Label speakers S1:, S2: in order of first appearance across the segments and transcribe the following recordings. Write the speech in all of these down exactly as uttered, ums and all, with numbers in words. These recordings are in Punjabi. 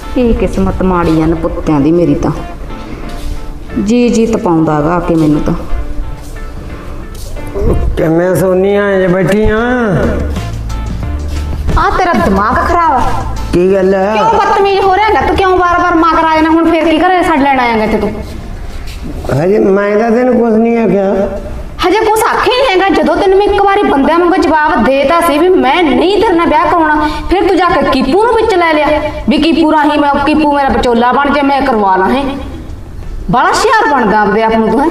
S1: ਇਹ ਕਿਸਮਤ ਮਾੜੀ ਆ ਨਪੁੱਤਿਆਂ ਦੀ ਮੇਰੀ ਤਾਂ ਜੀ ਜੀ ਤਪਾਉਂਦਾ ਗਾ ਕਿ ਮੈਨੂੰ ਤਾਂ
S2: ਕਿਵੇਂ ਸੋਨੀਆਂ ਜੇ ਬੈਠੀਆਂ
S1: ਆ ਤੇਰਾ ਦਿਮਾਗ ਖਰਾਬ ਆ
S2: ਕੀ ਗੱਲ ਹੈ
S1: ਕਿਉਂ ਬਦਤਮੀਜ਼ ਹੋ ਰਿਹਾ ਹੈਗਾ ਤੂੰ ਕਿਉਂ ਬਾਰ-ਬਾਰ ਮਗਰ ਆ ਜਾਣਾ ਹੁਣ ਫੇਰ ਕੀ ਘਰੇ ਛੱਡ ਲੈਣ ਆਏਗਾ ਇੱਥੇ ਤੂੰ
S2: ਹਜੇ ਮੈਂ ਤਾਂ ਤੈਨੂੰ ਕੁਝ ਨਹੀਂ ਆਖਿਆ
S1: ਹਜੇ ਕੁਛ ਆਖੇ ਨਹੀਂ ਹੈਗਾ ਜਦੋਂ ਤੈਨੂੰ ਮੈਂ ਇੱਕ ਵਾਰੀ ਬੰਦਿਆਂ ਵਾਂਗੂ ਜਵਾਬ ਦੇਤਾ ਸੀ ਵੀ ਮੈਂ ਨਹੀਂ ਤੇਰੇ ਨਾਲ ਵਿਆਹ ਕਰਾਉਣਾ ਫਿਰ ਤੂੰ ਜਾ ਕੇ ਕੀਪੂ ਨੂੰ ਵਿੱਚ ਲੈ ਲਿਆ ਵੀ ਕੀਪੂ ਰਾਹੀਂ ਮੈਂ ਕੀਪੂ ਮੇਰਾ ਵਿਚੋਲਾ ਬਣ ਜਾ ਮੈਂ ਕਰਵਾ ਲਾਂ ਹੈ ਬੜਾ ਸ਼ਿਆਰ ਬਣਦਾ ਆਪਦੇ ਆਪ ਨੂੰ ਤੂੰ ਹੈ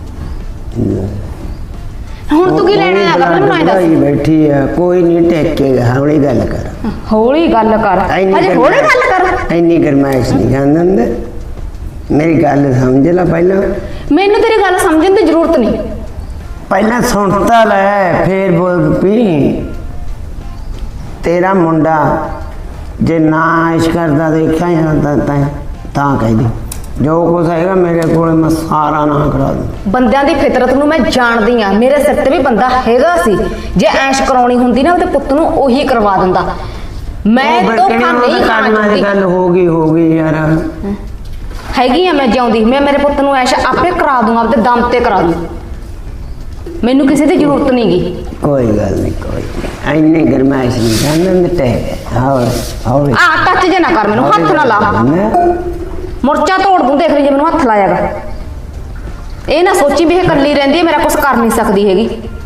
S1: ਹੁਣ ਤੂੰ ਕੀ ਲੈਣਾ ਹੈਗਾ ਮੈਨੂੰ ਨਹੀਂ ਦੱਸ
S2: ਬੈਠੀ ਆ ਕੋਈ ਨਹੀਂ ਟੇਕੇਗਾ ਹੌਲੀ ਗੱਲ ਕਰ
S1: ਹੌਲੀ ਗੱਲ ਕਰ ਹਜੇ ਹੌਲੀ ਗੱਲ ਕਰ
S2: ਇੰਨੀ ਗਰਮਾਇਸ਼ ਨਹੀਂ ਖਾਂਦਾ ਅੰਦਰ ਮੇਰੀ ਗੱਲ ਸਮਝ ਲੈ ਪਹਿਲਾਂ
S1: ਮੈਨੂੰ ਤੇਰੀ ਗੱਲ ਸਮਝਣ ਦੀ ਜ਼ਰੂਰਤ ਨਹੀਂ
S2: ਪਹਿਲਾਂ ਸੁਣ ਤਾਂ ਲੈ ਫੇਰ ਬੋਲ ਪੀ ਤੇਰਾ ਮੁੰਡਾ ਜੇ ਨਾ ਇਸ਼ ਕਰਦਾ ਦੇਖਿਆ ਜਾਂਦਾ ਤਾਂ ਤਾਂ ਕਹਿ ਦੇ ਜੋ ਕੁਛ ਹੈਗਾ ਮੇਰੇ ਕੋਲ ਮੈਂ ਸਾਰਾ ਨਾ ਕਰਾ ਦੂੰ
S1: ਬੰਦਿਆਂ ਦੀ ਫਿਤਰਤ ਨੂੰ ਮੈਂ ਜਾਣਦੀ ਆ ਮੇਰੇ ਸਿਰ ਤੇ ਵੀ ਬੰਦਾ ਹੈਗਾ ਸੀ ਜੇ ਐਸ਼ ਕਰਾਉਣੀ ਹੁੰਦੀ ਨਾ ਉਹਦੇ ਪੁੱਤ ਨੂੰ ਉਹੀ ਕਰਵਾ ਦਿੰਦਾ ਮੈਂ ਧੋਖਾ ਨਹੀਂ ਖਾਣਾ
S2: ਦੀ ਗੱਲ ਹੋ ਗਈ ਹੋ ਗਈ ਯਾਰ
S1: ਹੈਗੀ ਆ ਮੈਂ ਜਿਉਂਦੀ ਮੈਂ ਮੇਰੇ ਪੁੱਤ ਨੂੰ ਐਸ਼ ਆਪੇ ਕਰਾ ਦੂੰ ਆਪਦੇ ਦਮ ਤੇ ਕਰਾ ਦੂੰ ਮੈਨੂੰ ਕਿਸੇ ਦੀ ਜ਼ਰੂਰਤ ਨਹੀਂ ਗੀ
S2: ਕੋਈ ਗੱਲ ਨਹੀਂ ਕੋਈ ਐਨੇ ਗਰਮਾਇਸ਼ ਨਹੀਂ ਜਾਣਨ ਤੇ ਹਾਂ ਹਾਂ
S1: ਆ ਟੱਚ ਜੇ ਨਾ ਕਰ ਮੈਨੂੰ ਹੱਥ ਨਾ ਲਾ ਮੁਰਚਾ ਤੋੜ ਦੂੰ ਦੇਖ ਲਈ ਜੇ ਮੈਨੂੰ ਹੱਥ ਲਾਇਆਗਾ ਇਹ ਨਾ ਸੋਚੀ ਵੀ ਇਹ ਇਕੱਲੀ ਰਹਿੰਦੀ ਹੈ ਮੇਰਾ ਕੁਝ ਕਰ ਨਹੀਂ ਸਕਦੀ ਹੈਗੀ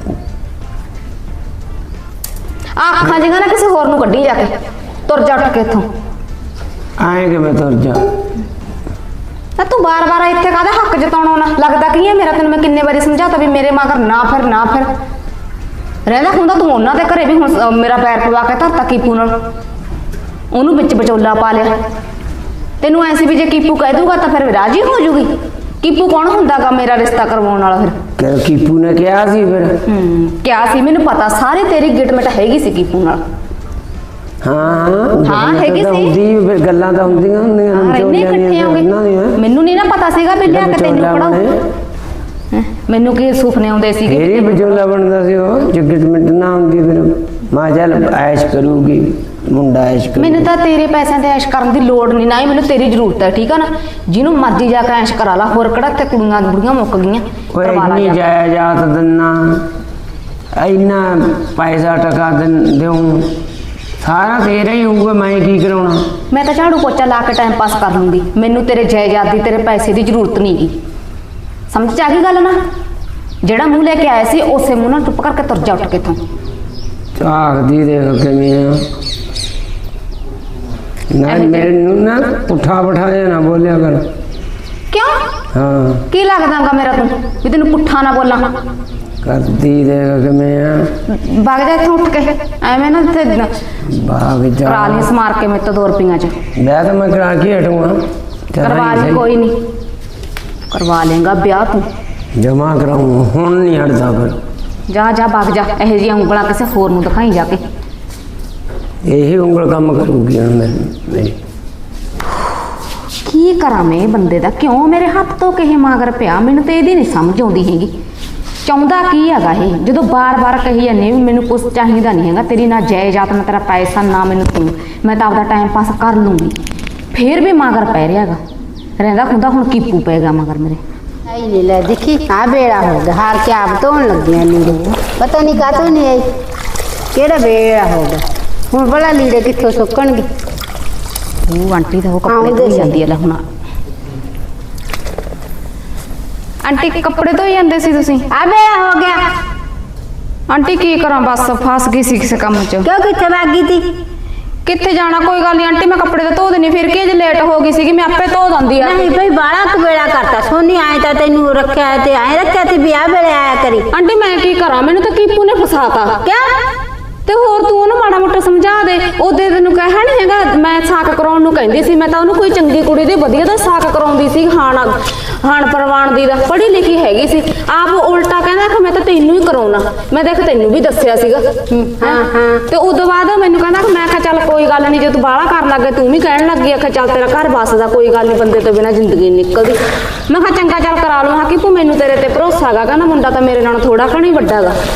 S1: ਆ ਅੱਖਾਂ ਜਿਹਾ ਨਾ ਕਿਸੇ ਹੋਰ ਨੂੰ ਕੱਢੀ ਜਾ ਕੇ ਤੁਰ ਜਾ ਉੱਠ ਕੇ ਇੱਥੋਂ
S2: ਆਏ ਕਿ ਮੈਂ ਤੁਰ ਜਾ
S1: ਨਾ ਤੂੰ ਬਾਰ-ਬਾਰ ਇੱਥੇ ਕਾਹਦਾ ਹੱਕ ਜਤਾਉਣਾ ਨਾ ਲੱਗਦਾ ਕੀ ਹੈ ਮੇਰਾ ਤੈਨੂੰ ਮੈਂ ਕਿੰਨੇ ਵਾਰੀ ਸਮਝਾਤਾ ਵੀ ਮੇਰੇ ਮਗਰ ਨਾ ਫਿਰ ਨਾ ਫਿਰ ਰਹਿੰਦਾ ਹੁੰਦਾ ਤੂੰ ਉਹਨਾਂ ਦੇ ਘਰੇ ਵੀ ਹੁਣ ਮੇਰਾ ਪੈਰ ਪਵਾ ਕੇ ਧਰਤਾ ਕੀਪੂ ਨਾਲ ਉਹਨੂੰ ਵਿੱਚ ਵਿਚੋਲਾ ਪਾ ਲਿਆ ਤੈਨੂੰ ਐਸੀ ਵੀ ਜੇ ਕੀਪੂ ਕਹਿ ਦੂਗਾ ਤਾਂ ਫਿਰ ਰਾਜੀ ਹੋ ਜੂਗੀ ਕੀਪੂ ਕੌਣ ਹੁੰਦਾਗਾ ਮੇਰਾ ਰਿਸ਼ਤਾ ਕਰਵਾਉਣ ਵਾਲਾ ਫਿਰ
S2: ਕੀਪੂ ਨੇ ਕਿਹਾ ਸੀ ਫਿਰ
S1: ਹੂੰ ਕਿਹਾ ਸੀ ਮੈਨੂੰ ਪਤਾ ਸਾਰੇ ਤੇਰੀ ਗਿਟਮਿਟ ਹੈਗੀ ਸੀ ਕੀਪੂ ਨਾਲ
S2: ਹਾਂ
S1: ਹਾਂ ਹੈਗੀ ਸੀ
S2: ਹੁੰਦੀ ਫਿਰ ਗੱਲਾਂ ਤਾਂ ਹੁੰਦੀਆਂ ਹੁੰਦੀਆਂ
S1: ਇੰਨੇ ਇਕੱਠੇ ਹੋਗੇ ਮੈਨੂੰ ਨਹੀਂ ਨਾ ਪਤਾ ਸੀਗਾ ਵੀ ਲਿਆ ਕੇ ਤੈਨੂੰ ਪੜਾਉ ਮੈਨੂੰ ਕੀ ਸੁਪਨੇ ਆਉਂਦੇ ਸੀਗੇ
S2: ਫੇਰ ਹੀ ਵਿਚੋਲਾ ਬਣਦਾ ਸੀ ਉਹ ਜੇ ਗਿਟਮਿਟ ਨਾ ਹੁੰਦੀ ਫਿਰ ਮਾਂ ਚੱਲ ਐਸ਼ ਕਰੂਗੀ ਮੁੰਡਾ ਐਸ਼ ਕਰੂ
S1: ਮੈਨੂੰ ਤਾਂ ਤੇਰੇ ਪੈਸਿਆਂ ਤੇ ਐਸ਼ ਕਰਨ ਦੀ ਲੋੜ ਨਹੀਂ ਨਾ ਹੀ ਮੈਨੂੰ ਤੇਰੀ ਜ਼ਰੂਰਤ ਹੈ ਠੀਕ ਆ ਨਾ ਜਿਹਨੂੰ ਮਰਜ਼ੀ ਜਾ ਕੇ ਐਸ਼ ਕਰਾ ਲਾ ਹੋਰ ਕਿਹੜਾ ਤੇ ਕੁੜੀਆਂ ਬੁੜੀਆਂ ਮੁੱਕ ਗਈਆਂ
S2: ਕਰਵਾ ਲਾ ਜਾਇਆ ਜਾਤ ਦਿਨਾ ਇੰਨਾ ਪੈਸਾ ਟਕਾ ਦਿਉ ਸਾਰਾ ਤੇਰਾ ਹੀ ਹੋਊਗਾ ਮੈਂ ਕੀ ਕਰਾਉਣਾ
S1: ਮੈਂ ਤਾਂ ਝਾੜੂ ਪੋਚਾ ਲਾ ਕੇ ਟਾਈਮ ਪਾਸ ਕਰ ਲੂੰਗੀ ਮੈਨੂੰ ਤੇਰੇ ਜਾਇਦਾਦ ਦੀ ਤੇਰੇ ਪੈਸੇ ਦੀ ਜ਼ਰੂਰਤ ਨਹੀਂ ਗੀ ਸਮਝ ਆ ਗਈ ਗੱਲ ਨਾ ਜਿਹੜਾ ਮੂੰਹ ਲੈ ਕੇ ਆਇਆ ਸੀ ਉਸੇ ਮੂੰਹ ਨਾਲ ਚੁੱਪ ਕਰਕੇ ਤੁਰ ਜਾ ਉੱਠ ਕੇ ਇੱਥੋਂ
S2: ਝਾਕਦੀ ਦੇਖ ਕਿਵੇਂ ਆ ਨਾ ਮੈਨੂੰ ਨਾ ਪੁੱਠਾ ਬਿਠਾਇਆ ਨਾ ਬੋਲਿਆ ਕਰ
S1: ਕਿਉਂ
S2: ਹਾਂ ਕੀ
S1: ਲੱਗਦਾਗਾ ਮੇਰਾ ਤੂੰ ਵੀ ਤੈਨੂੰ ਪੁੱਠਾ ਨਾ ਬੋਲਾਂ
S2: ਕਰਦੀ ਦੇਖ ਕਿਵੇਂ ਆ
S1: ਵਗ ਜਾ ਇੱਥੋਂ ਉੱਠ ਕੇ ਐਵੇਂ ਨਾ ਤੇ
S2: ਭਾਗ ਜਾ
S1: ਕਰਾ ਲਈ ਸਮਾਰ ਕੇ ਮੇਰੇ ਤੋਂ ਦੋ ਰੁਪਈਆਂ ਚ
S2: ਮੈਂ ਤਾਂ ਮੈਂ ਕਰਾ ਕੇ ਹਟੂੰਗਾ
S1: ਕਰਵਾ ਲਈ ਕੋਈ ਨਹੀਂ ਕਰਵਾ ਲੇਗਾ ਵਿਆਹ ਤੂੰ
S2: ਜਮਾ ਕਰਾਉਂ ਹੁਣ ਨਹੀਂ ਹਟਦਾ ਫਿਰ
S1: ਜਾ ਜਾ ਵਗ ਜਾ ਇਹੋ ਜਿਹੀਆਂ ਉਂਗਲਾਂ ਕਿਸੇ ਹੋਰ ਨੂੰ ਦਿਖਾਈ ਜਾ ਕੇ
S2: ਇਹੀ ਉਂਗਲ ਕੰਮ ਕਰੂਗੀ ਹੁਣ ਮੇਰੀ
S1: ਕੀ ਕਰਾਂ ਮੈਂ ਬੰਦੇ ਦਾ ਕਿਉਂ ਮੇਰੇ ਹੱਥ ਤੋਂ ਕਿਸੇ ਮਗਰ ਪਿਆ ਮੈਨੂੰ ਤੇ ਇਹਦੀ ਨਹੀਂ ਸਮਝ ਆਉਂਦੀ ਹੈਗੀ ਚਾਹੁੰਦਾ ਕੀ ਹੈਗਾ ਇਹ ਜਦੋਂ ਬਾਰ-ਬਾਰ ਕਹੀ ਜਾਂਦੇ ਵੀ ਮੈਨੂੰ ਕੁਝ ਚਾਹੀਦਾ ਨਹੀਂ ਹੈਗਾ ਤੇਰੀ ਨਾ ਜਾਇਦਾਦ ਨਾ ਤੇਰਾ ਪੈਸਾ ਨਾ ਮੈਨੂੰ ਤੂੰ ਮੈਂ ਤਾਂ ਆਪਦਾ ਟਾਈਮ ਪਾਸ ਕਰ ਲੂੰਗੀ ਫੇਰ ਵੀ ਮਗਰ ਪੈ ਰਿਹਾ ਹੈਗਾ ਰਹਿੰਦਾ ਹੁੰਦਾ ਹੁਣ ਕੀਪੂ ਪਏਗਾ ਮਗਰ ਮੇਰੇ
S3: आई ले ला देखी हाँ बेड़ा हो गया हार के आप तो लग गया लीड़े पता नहीं का तो नहीं आई केड़ा बेड़ा होगा हूँ बड़ा लीड़े कितों सुकन गए
S1: ਉਹ ਆਂਟੀ ਦਾ ਉਹ ਕੱਪੜੇ ਧੋਈ ਜਾਂਦੀ ਹੈ ਲੈ ਹੁਣ ਆਂਟੀ ਕੱਪੜੇ ਧੋਈ ਜਾਂਦੇ ਸੀ ਤੁਸੀਂ
S3: आ बेड़ा हो गया
S1: ਆਂਟੀ ਕੀ ਕਰਾਂ ਬਸ ਫਸ ਗਈ ਸੀ ਕਿਸੇ ਕੰਮ 'ਚ
S3: क्यों कितने भागी थी
S1: ਕਿੱਥੇ ਜਾਣਾ ਕੋਈ ਗੱਲ ਨਹੀਂ ਆਂਟੀ ਮੈਂ ਕੱਪੜੇ ਤਾਂ ਧੋ ਦੇਣੀ ਫਿਰ ਕੀ ਜੇ ਲੇਟ ਹੋ ਗਈ ਸੀਗੀ ਮੈਂ ਆਪੇ ਧੋ ਦਿੰਦੀ ਆ
S3: नहीं भाई बाड़ा कबेड़ा करता सोनी आए था तेन रखा है ते आए रखा थी ब्याह बेले आया करी
S1: ਆਂਟੀ ਮੈਂ ਕੀ ਕਰਾਂ ਮੈਨੂੰ ਤਾਂ ਕੀਪੂ ਨੇ ਫਸਾਤਾ
S3: क्या
S1: ਤੇ ਹੋਰ ਤੂੰ ਉਹਨੂੰ ਮਾੜਾ ਮੋਟਾ ਸਮਝਾ ਦੇ ਉਹਦੇ ਤੈਨੂੰ ਕਹਿਆ ਨਹੀਂ ਹੈਗਾ ਮੈਂ ਸਾਕ ਕਰਾਉਣ ਨੂੰ ਕਹਿੰਦੀ ਸੀ ਮੈਂ ਤਾਂ ਉਹਨੂੰ ਕੋਈ ਚੰਗੀ ਕੁੜੀ ਦੇ ਵਧੀਆ ਦਾ ਸਾਕ ਕਰਾਉਂਦੀ ਸੀ ਹਾਣ ਹਾਣ ਪ੍ਰਵਾਨ ਦੀ ਦਾ ਪੜ੍ਹੀ ਲਿਖੀ ਹੈਗੀ ਸੀ ਆਪ ਉਲਟਾ ਕਹਿੰਦਾ ਕਿ ਮੈਂ ਤਾਂ ਤੈਨੂੰ ਹੀ ਕਰਾਉਣਾ ਮੈਂ ਦੇਖ ਤੈਨੂੰ ਵੀ ਦੱਸਿਆ ਸੀਗਾ
S3: ਹਾਂ ਹਾਂ
S1: ਤੇ ਉਦੋਂ ਬਾਅਦ ਮੈਨੂੰ ਕਹਿੰਦਾ ਕਿ ਮੈਂ ਕਿਹਾ ਚੱਲ ਕੋਈ ਗੱਲ ਨਹੀਂ ਜੇ ਤੂੰ ਬਾਹਲਾ ਕਰਨ ਲੱਗੇ ਤੂੰ ਵੀ ਕਹਿਣ ਲੱਗੀ ਆਖਿਆ ਚੱਲ ਤੇਰਾ ਘਰ ਬਸਦਾ ਕੋਈ ਗੱਲ ਨਹੀਂ ਬੰਦੇ ਤੋਂ ਬਿਨਾਂ ਜ਼ਿੰਦਗੀ ਨਹੀਂ ਨਿਕਲਦੀ ਮੈਂ ਕਿਹਾ ਚੰਗਾ ਚੱਲ ਕਰਾ ਲਵਾਂ ਕਿ ਤੂੰ ਮੈਨੂੰ ਤੇਰੇ ਤੇ ਭਰੋਸਾ ਹੈਗਾ ਕਹਿੰਦਾ ਮੁੰਡਾ ਤਾਂ ਮੇਰੇ ਨਾਲੋਂ ਥੋੜਾ ਘਣੀ ਵੱਡਾ ਹੈਗਾ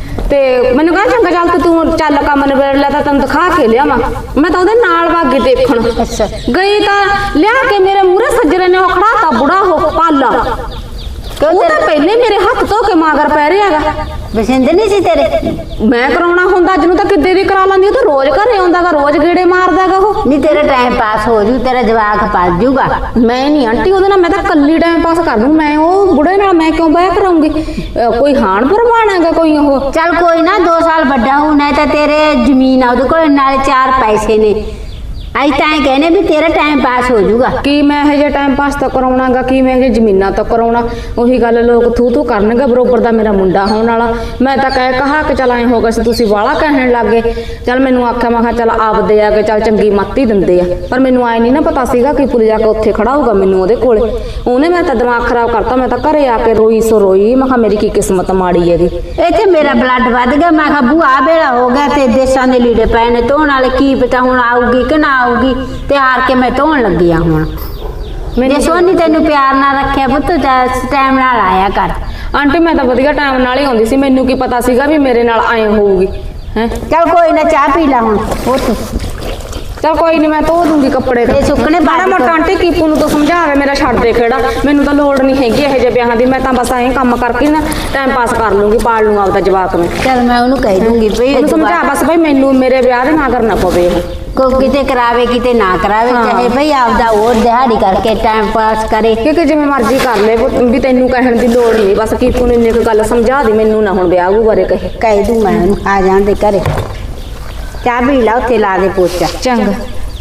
S1: ਤੇ ਮੈਨੂੰ ਕਹਿੰਦਾ ਚੰਗਾ ਚੱਲ ਤੇ ਤੂੰ ਚੱਲ ਕੰਮ ਨਿਬੇੜ ਲੈ ਤਾਂ ਤੈਨੂੰ ਦਿਖਾ ਕੇ ਲਿਆਵਾਂ। ਮੈਂ ਤਾਂ ਉਹਦੇ ਨਾਲ ਭਾਗੀ ਦੇਖਣ
S3: ਅੱਛਾ
S1: ਗਈ ਤਾਂ ਲਿਆ ਕੇ ਮੇਰੇ ਮੂਹਰੇ ਸੱਜਰੇ ਨੇ ਉਹ ਖੜਾਤਾ ਬੁੜਾ ਹੋ ਪਾਲਾ। ਉਹ ਤਾਂ ਪਹਿਲੇ ਮੇਰੇ ਹੱਥ ਧੋ ਕੇ ਮਾਗਰ ਪੈ ਰਿਹਾ ਹੈਗਾ।
S3: ਪਸੰਦ ਨਹੀਂ ਸੀ ਤੇਰੇ?
S1: ਮੈਂ ਕਰਾਉਣਾ ਹੁੰਦਾ ਅੱਜ ਨੂੰ ਤਾਂ ਕਿੱਦੇ ਦੀ ਕਰਾ ਲੈਂਦੀ। ਉਹ ਤਾਂ ਰੋਜ਼ ਘਰੇ ਆਉਂਦਾਗਾ, ਰੋਜ਼ ਗੇੜੇ ਮਾਰਦਾਗਾ ਉਹ।
S3: ਨਹੀਂ ਤੇਰਾ ਟਾਈਮ ਪਾਸ ਹੋ ਜੂ, ਤੇਰਾ ਜਵਾਕ ਪਲ ਜੂਗਾ।
S1: ਮੈਂ ਨਹੀਂ ਆਂਟੀ ਉਹਦੇ ਨਾਲ, ਮੈਂ ਤਾਂ ਕੱਲੀ ਟਾਈਮ ਪਾਸ ਕਰ ਦੂੰ। ਮੈਂ ਉਹ ਬੁੜੇ ਨਾਲ ਮੈਂ ਕਿਉਂ ਬਹਿ ਕਰਾਉਂਗੀ? ਕੋਈ ਹਾਣ ਪਰਵਾਣ ਹੈਗਾ ਕੋਈ ਉਹ?
S3: ਚੱਲ ਕੋਈ ਨਾ, ਦੋ ਸਾਲ ਵੱਡਾ ਹੋ ਨਾ ਤਾਂ ਤੇਰੇ ਜ਼ਮੀਨ ਆ ਉਹਦੇ ਕੋਲ, ਨਾਲੇ ਚਾਰ ਪੈਸੇ ਨੇ। ਅਸੀਂ ਤਾਂ ਇਹ ਕਹਿੰਦੇ ਵੀ ਤੇਰਾ ਟਾਈਮ ਪਾਸ ਹੋ ਜਾਊਗਾ।
S1: ਕੀ ਮੈਂ ਇਹ ਜਿਹਾ ਟਾਈਮ ਪਾਸ ਤਾਂ ਕਰਾਉਣਾਗਾ, ਕੀ ਮੈਂ ਇਹ ਜ਼ਮੀਨਾਂ ਤਾਂ ਕਰਾਉਣਾ? ਉਹੀ ਗੱਲ ਲੋਕ ਥੂ ਥੂ ਕਰਨਗੇ। ਬਰੋਬਰ ਦਾ ਮੇਰਾ ਮੁੰਡਾ ਹੋਣ ਵਾਲਾ। ਮੈਂ ਤਾਂ ਕਹਿ ਕਹਾ ਕਿ ਚੱਲ ਐਂ ਹੋ ਗਿਆ ਸੀ, ਤੁਸੀਂ ਵਾਲਾ ਕਹਿਣ ਲੱਗ ਗਏ। ਚੱਲ ਮੈਨੂੰ ਆਖਿਆ, ਮੈਂ ਕਿਹਾ ਚੱਲ ਆਪਦੇ ਆ ਕੇ ਚੱਲ ਚੰਗੀ ਮੱਤ ਹੀ ਦਿੰਦੇ ਆ। ਪਰ ਮੈਨੂੰ ਆਏ ਨਹੀਂ ਨਾ ਪਤਾ ਸੀਗਾ ਕਿ ਪੁੱਲ ਜਾ ਕੇ ਉੱਥੇ ਖੜਾ ਹੋਊਗਾ ਮੈਨੂੰ ਉਹਦੇ ਕੋਲੇ। ਉਹਨੇ ਮੈਂ ਤਾਂ ਦਿਮਾਗ ਖਰਾਬ ਕਰਤਾ। ਮੈਂ ਤਾਂ ਘਰੇ ਆ ਕੇ ਰੋਈ ਸੋ ਰੋਈ। ਮੈਂ ਕਿਹਾ ਮੇਰੀ ਕੀ ਕਿਸਮਤ ਮਾੜੀ ਹੈਗੀ।
S3: ਇੱਥੇ ਮੇਰਾ ਬਲੱਡ ਵੱਧ ਗਿਆ। ਮੈਂ ਕਿਹਾ ਬੂਆ ਵੇਲਾ ਹੋ ਗਿਆ ਤੇ ਦੇਸਾਂ ਦੇ ਲੀੜੇ ਪਏ ਨੇ ਧੋਣ ਵਾਲੇ, ਕੀ ਪਤਾ ਹੁਣ ਆਊਗੀ ਕਿ ਨਾ ਆਊਗੀ। ਤੇ ਹਾਰ ਕੇ ਮੈਂ ਧੋਣ ਲੱਗੀ ਆ ਹੁਣ। ਜੇ ਸੋਨੀ ਤੈਨੂੰ ਪਿਆਰ ਨਾਲ ਰੱਖਿਆ ਪੁੱਤ, ਟਾਈਮ ਨਾਲ ਆਇਆ ਕਰ।
S1: ਆਂਟੀ ਮੈਂ ਤਾਂ ਵਧੀਆ ਟਾਈਮ ਨਾਲ ਹੀ ਆਉਂਦੀ ਸੀ। ਮੈਨੂੰ ਕੀ ਪਤਾ ਸੀਗਾ ਵੀ ਮੇਰੇ ਨਾਲ ਐਂ ਹੋਊਗੀ ਹੈ।
S3: ਚੱਲ ਕੋਈ ਨਾ, ਚਾਹ ਪੀ ਲੈ ਹੁਣ ਪੁੱਤ।
S1: ਚਲ ਕੋਈ ਨਹੀਂ, ਮੈਂ ਧੋ ਦੂੰਗੀ ਕੱਪੜੇ।
S3: ਤੇ ਸੁੱਕਣੇ
S1: ਮਾੜਾ ਮੋਟਾ ਆਂਟੀ ਕੀਪੂ ਨੂੰ ਤਾਂ ਸਮਝਾਵੇ, ਮੇਰਾ ਛੱਡ ਦੇ ਖੇੜਾ। ਮੈਨੂੰ ਤਾਂ ਲੋੜ ਨਹੀਂ ਹੈਗੀ ਇਹੋ ਜਿਹੇ ਵਿਆਹਾਂ ਦੀ। ਮੈਂ ਤਾਂ ਬਸ ਐਂ ਕੰਮ ਕਰਕੇ ਨਾ ਟਾਈਮ ਪਾਸ ਕਰ ਲੂੰਗੀ, ਪਾਲ ਲੂੰਗਾ ਆਪਦਾ ਜਵਾਕ ਮੈਂ।
S3: ਚੱਲ ਮੈਂ ਉਹਨੂੰ ਕਹਿ ਦੂੰਗੀ ਭਈ
S1: ਉਹਨੂੰ ਸਮਝਾ ਬਸ ਭਈ ਮੈਨੂੰ ਮੇਰੇ ਵਿਆਹ ਦੇ ਨਾ ਕਰਨਾ ਪਵੇ ਉਹ।
S3: ਕੋ ਕਿਤੇ ਕਰਾਵੇ ਕਿਤੇ ਨਾ ਕਰਾਵੇ, ਚਾਹੇ ਭਈ ਆਪਦਾ ਹੋਰ ਦਿਹਾੜੀ ਕਰਕੇ ਟਾਈਮ ਪਾਸ ਕਰੇ।
S1: ਕਿਉਂਕਿ ਜਿਵੇਂ ਮਰਜ਼ੀ ਕਰ ਲੈ, ਵੀ ਤੈਨੂੰ ਕਹਿਣ ਦੀ ਲੋੜ ਨਹੀਂ। ਬਸ ਕੀਪੂ ਨੂੰ ਇੰਨੀ ਕੁ ਗੱਲ ਸਮਝਾ ਦੇ, ਮੈਨੂੰ ਨਾ ਹੁਣ ਵਿਆਹ ਵੂ ਬਾਰੇ ਕਹੇ।
S3: ਕਹਿ ਦੂੰ ਮੈਂ ਉਹਨੂੰ, ਆ ਜਾਣ ਦੇ ਘਰੇ। ਚਾਹ ਪੀ ਲਾ, ਉੱਥੇ ਲਾ ਦੇ ਪੋਚਾ।
S1: ਚੰਗਾ।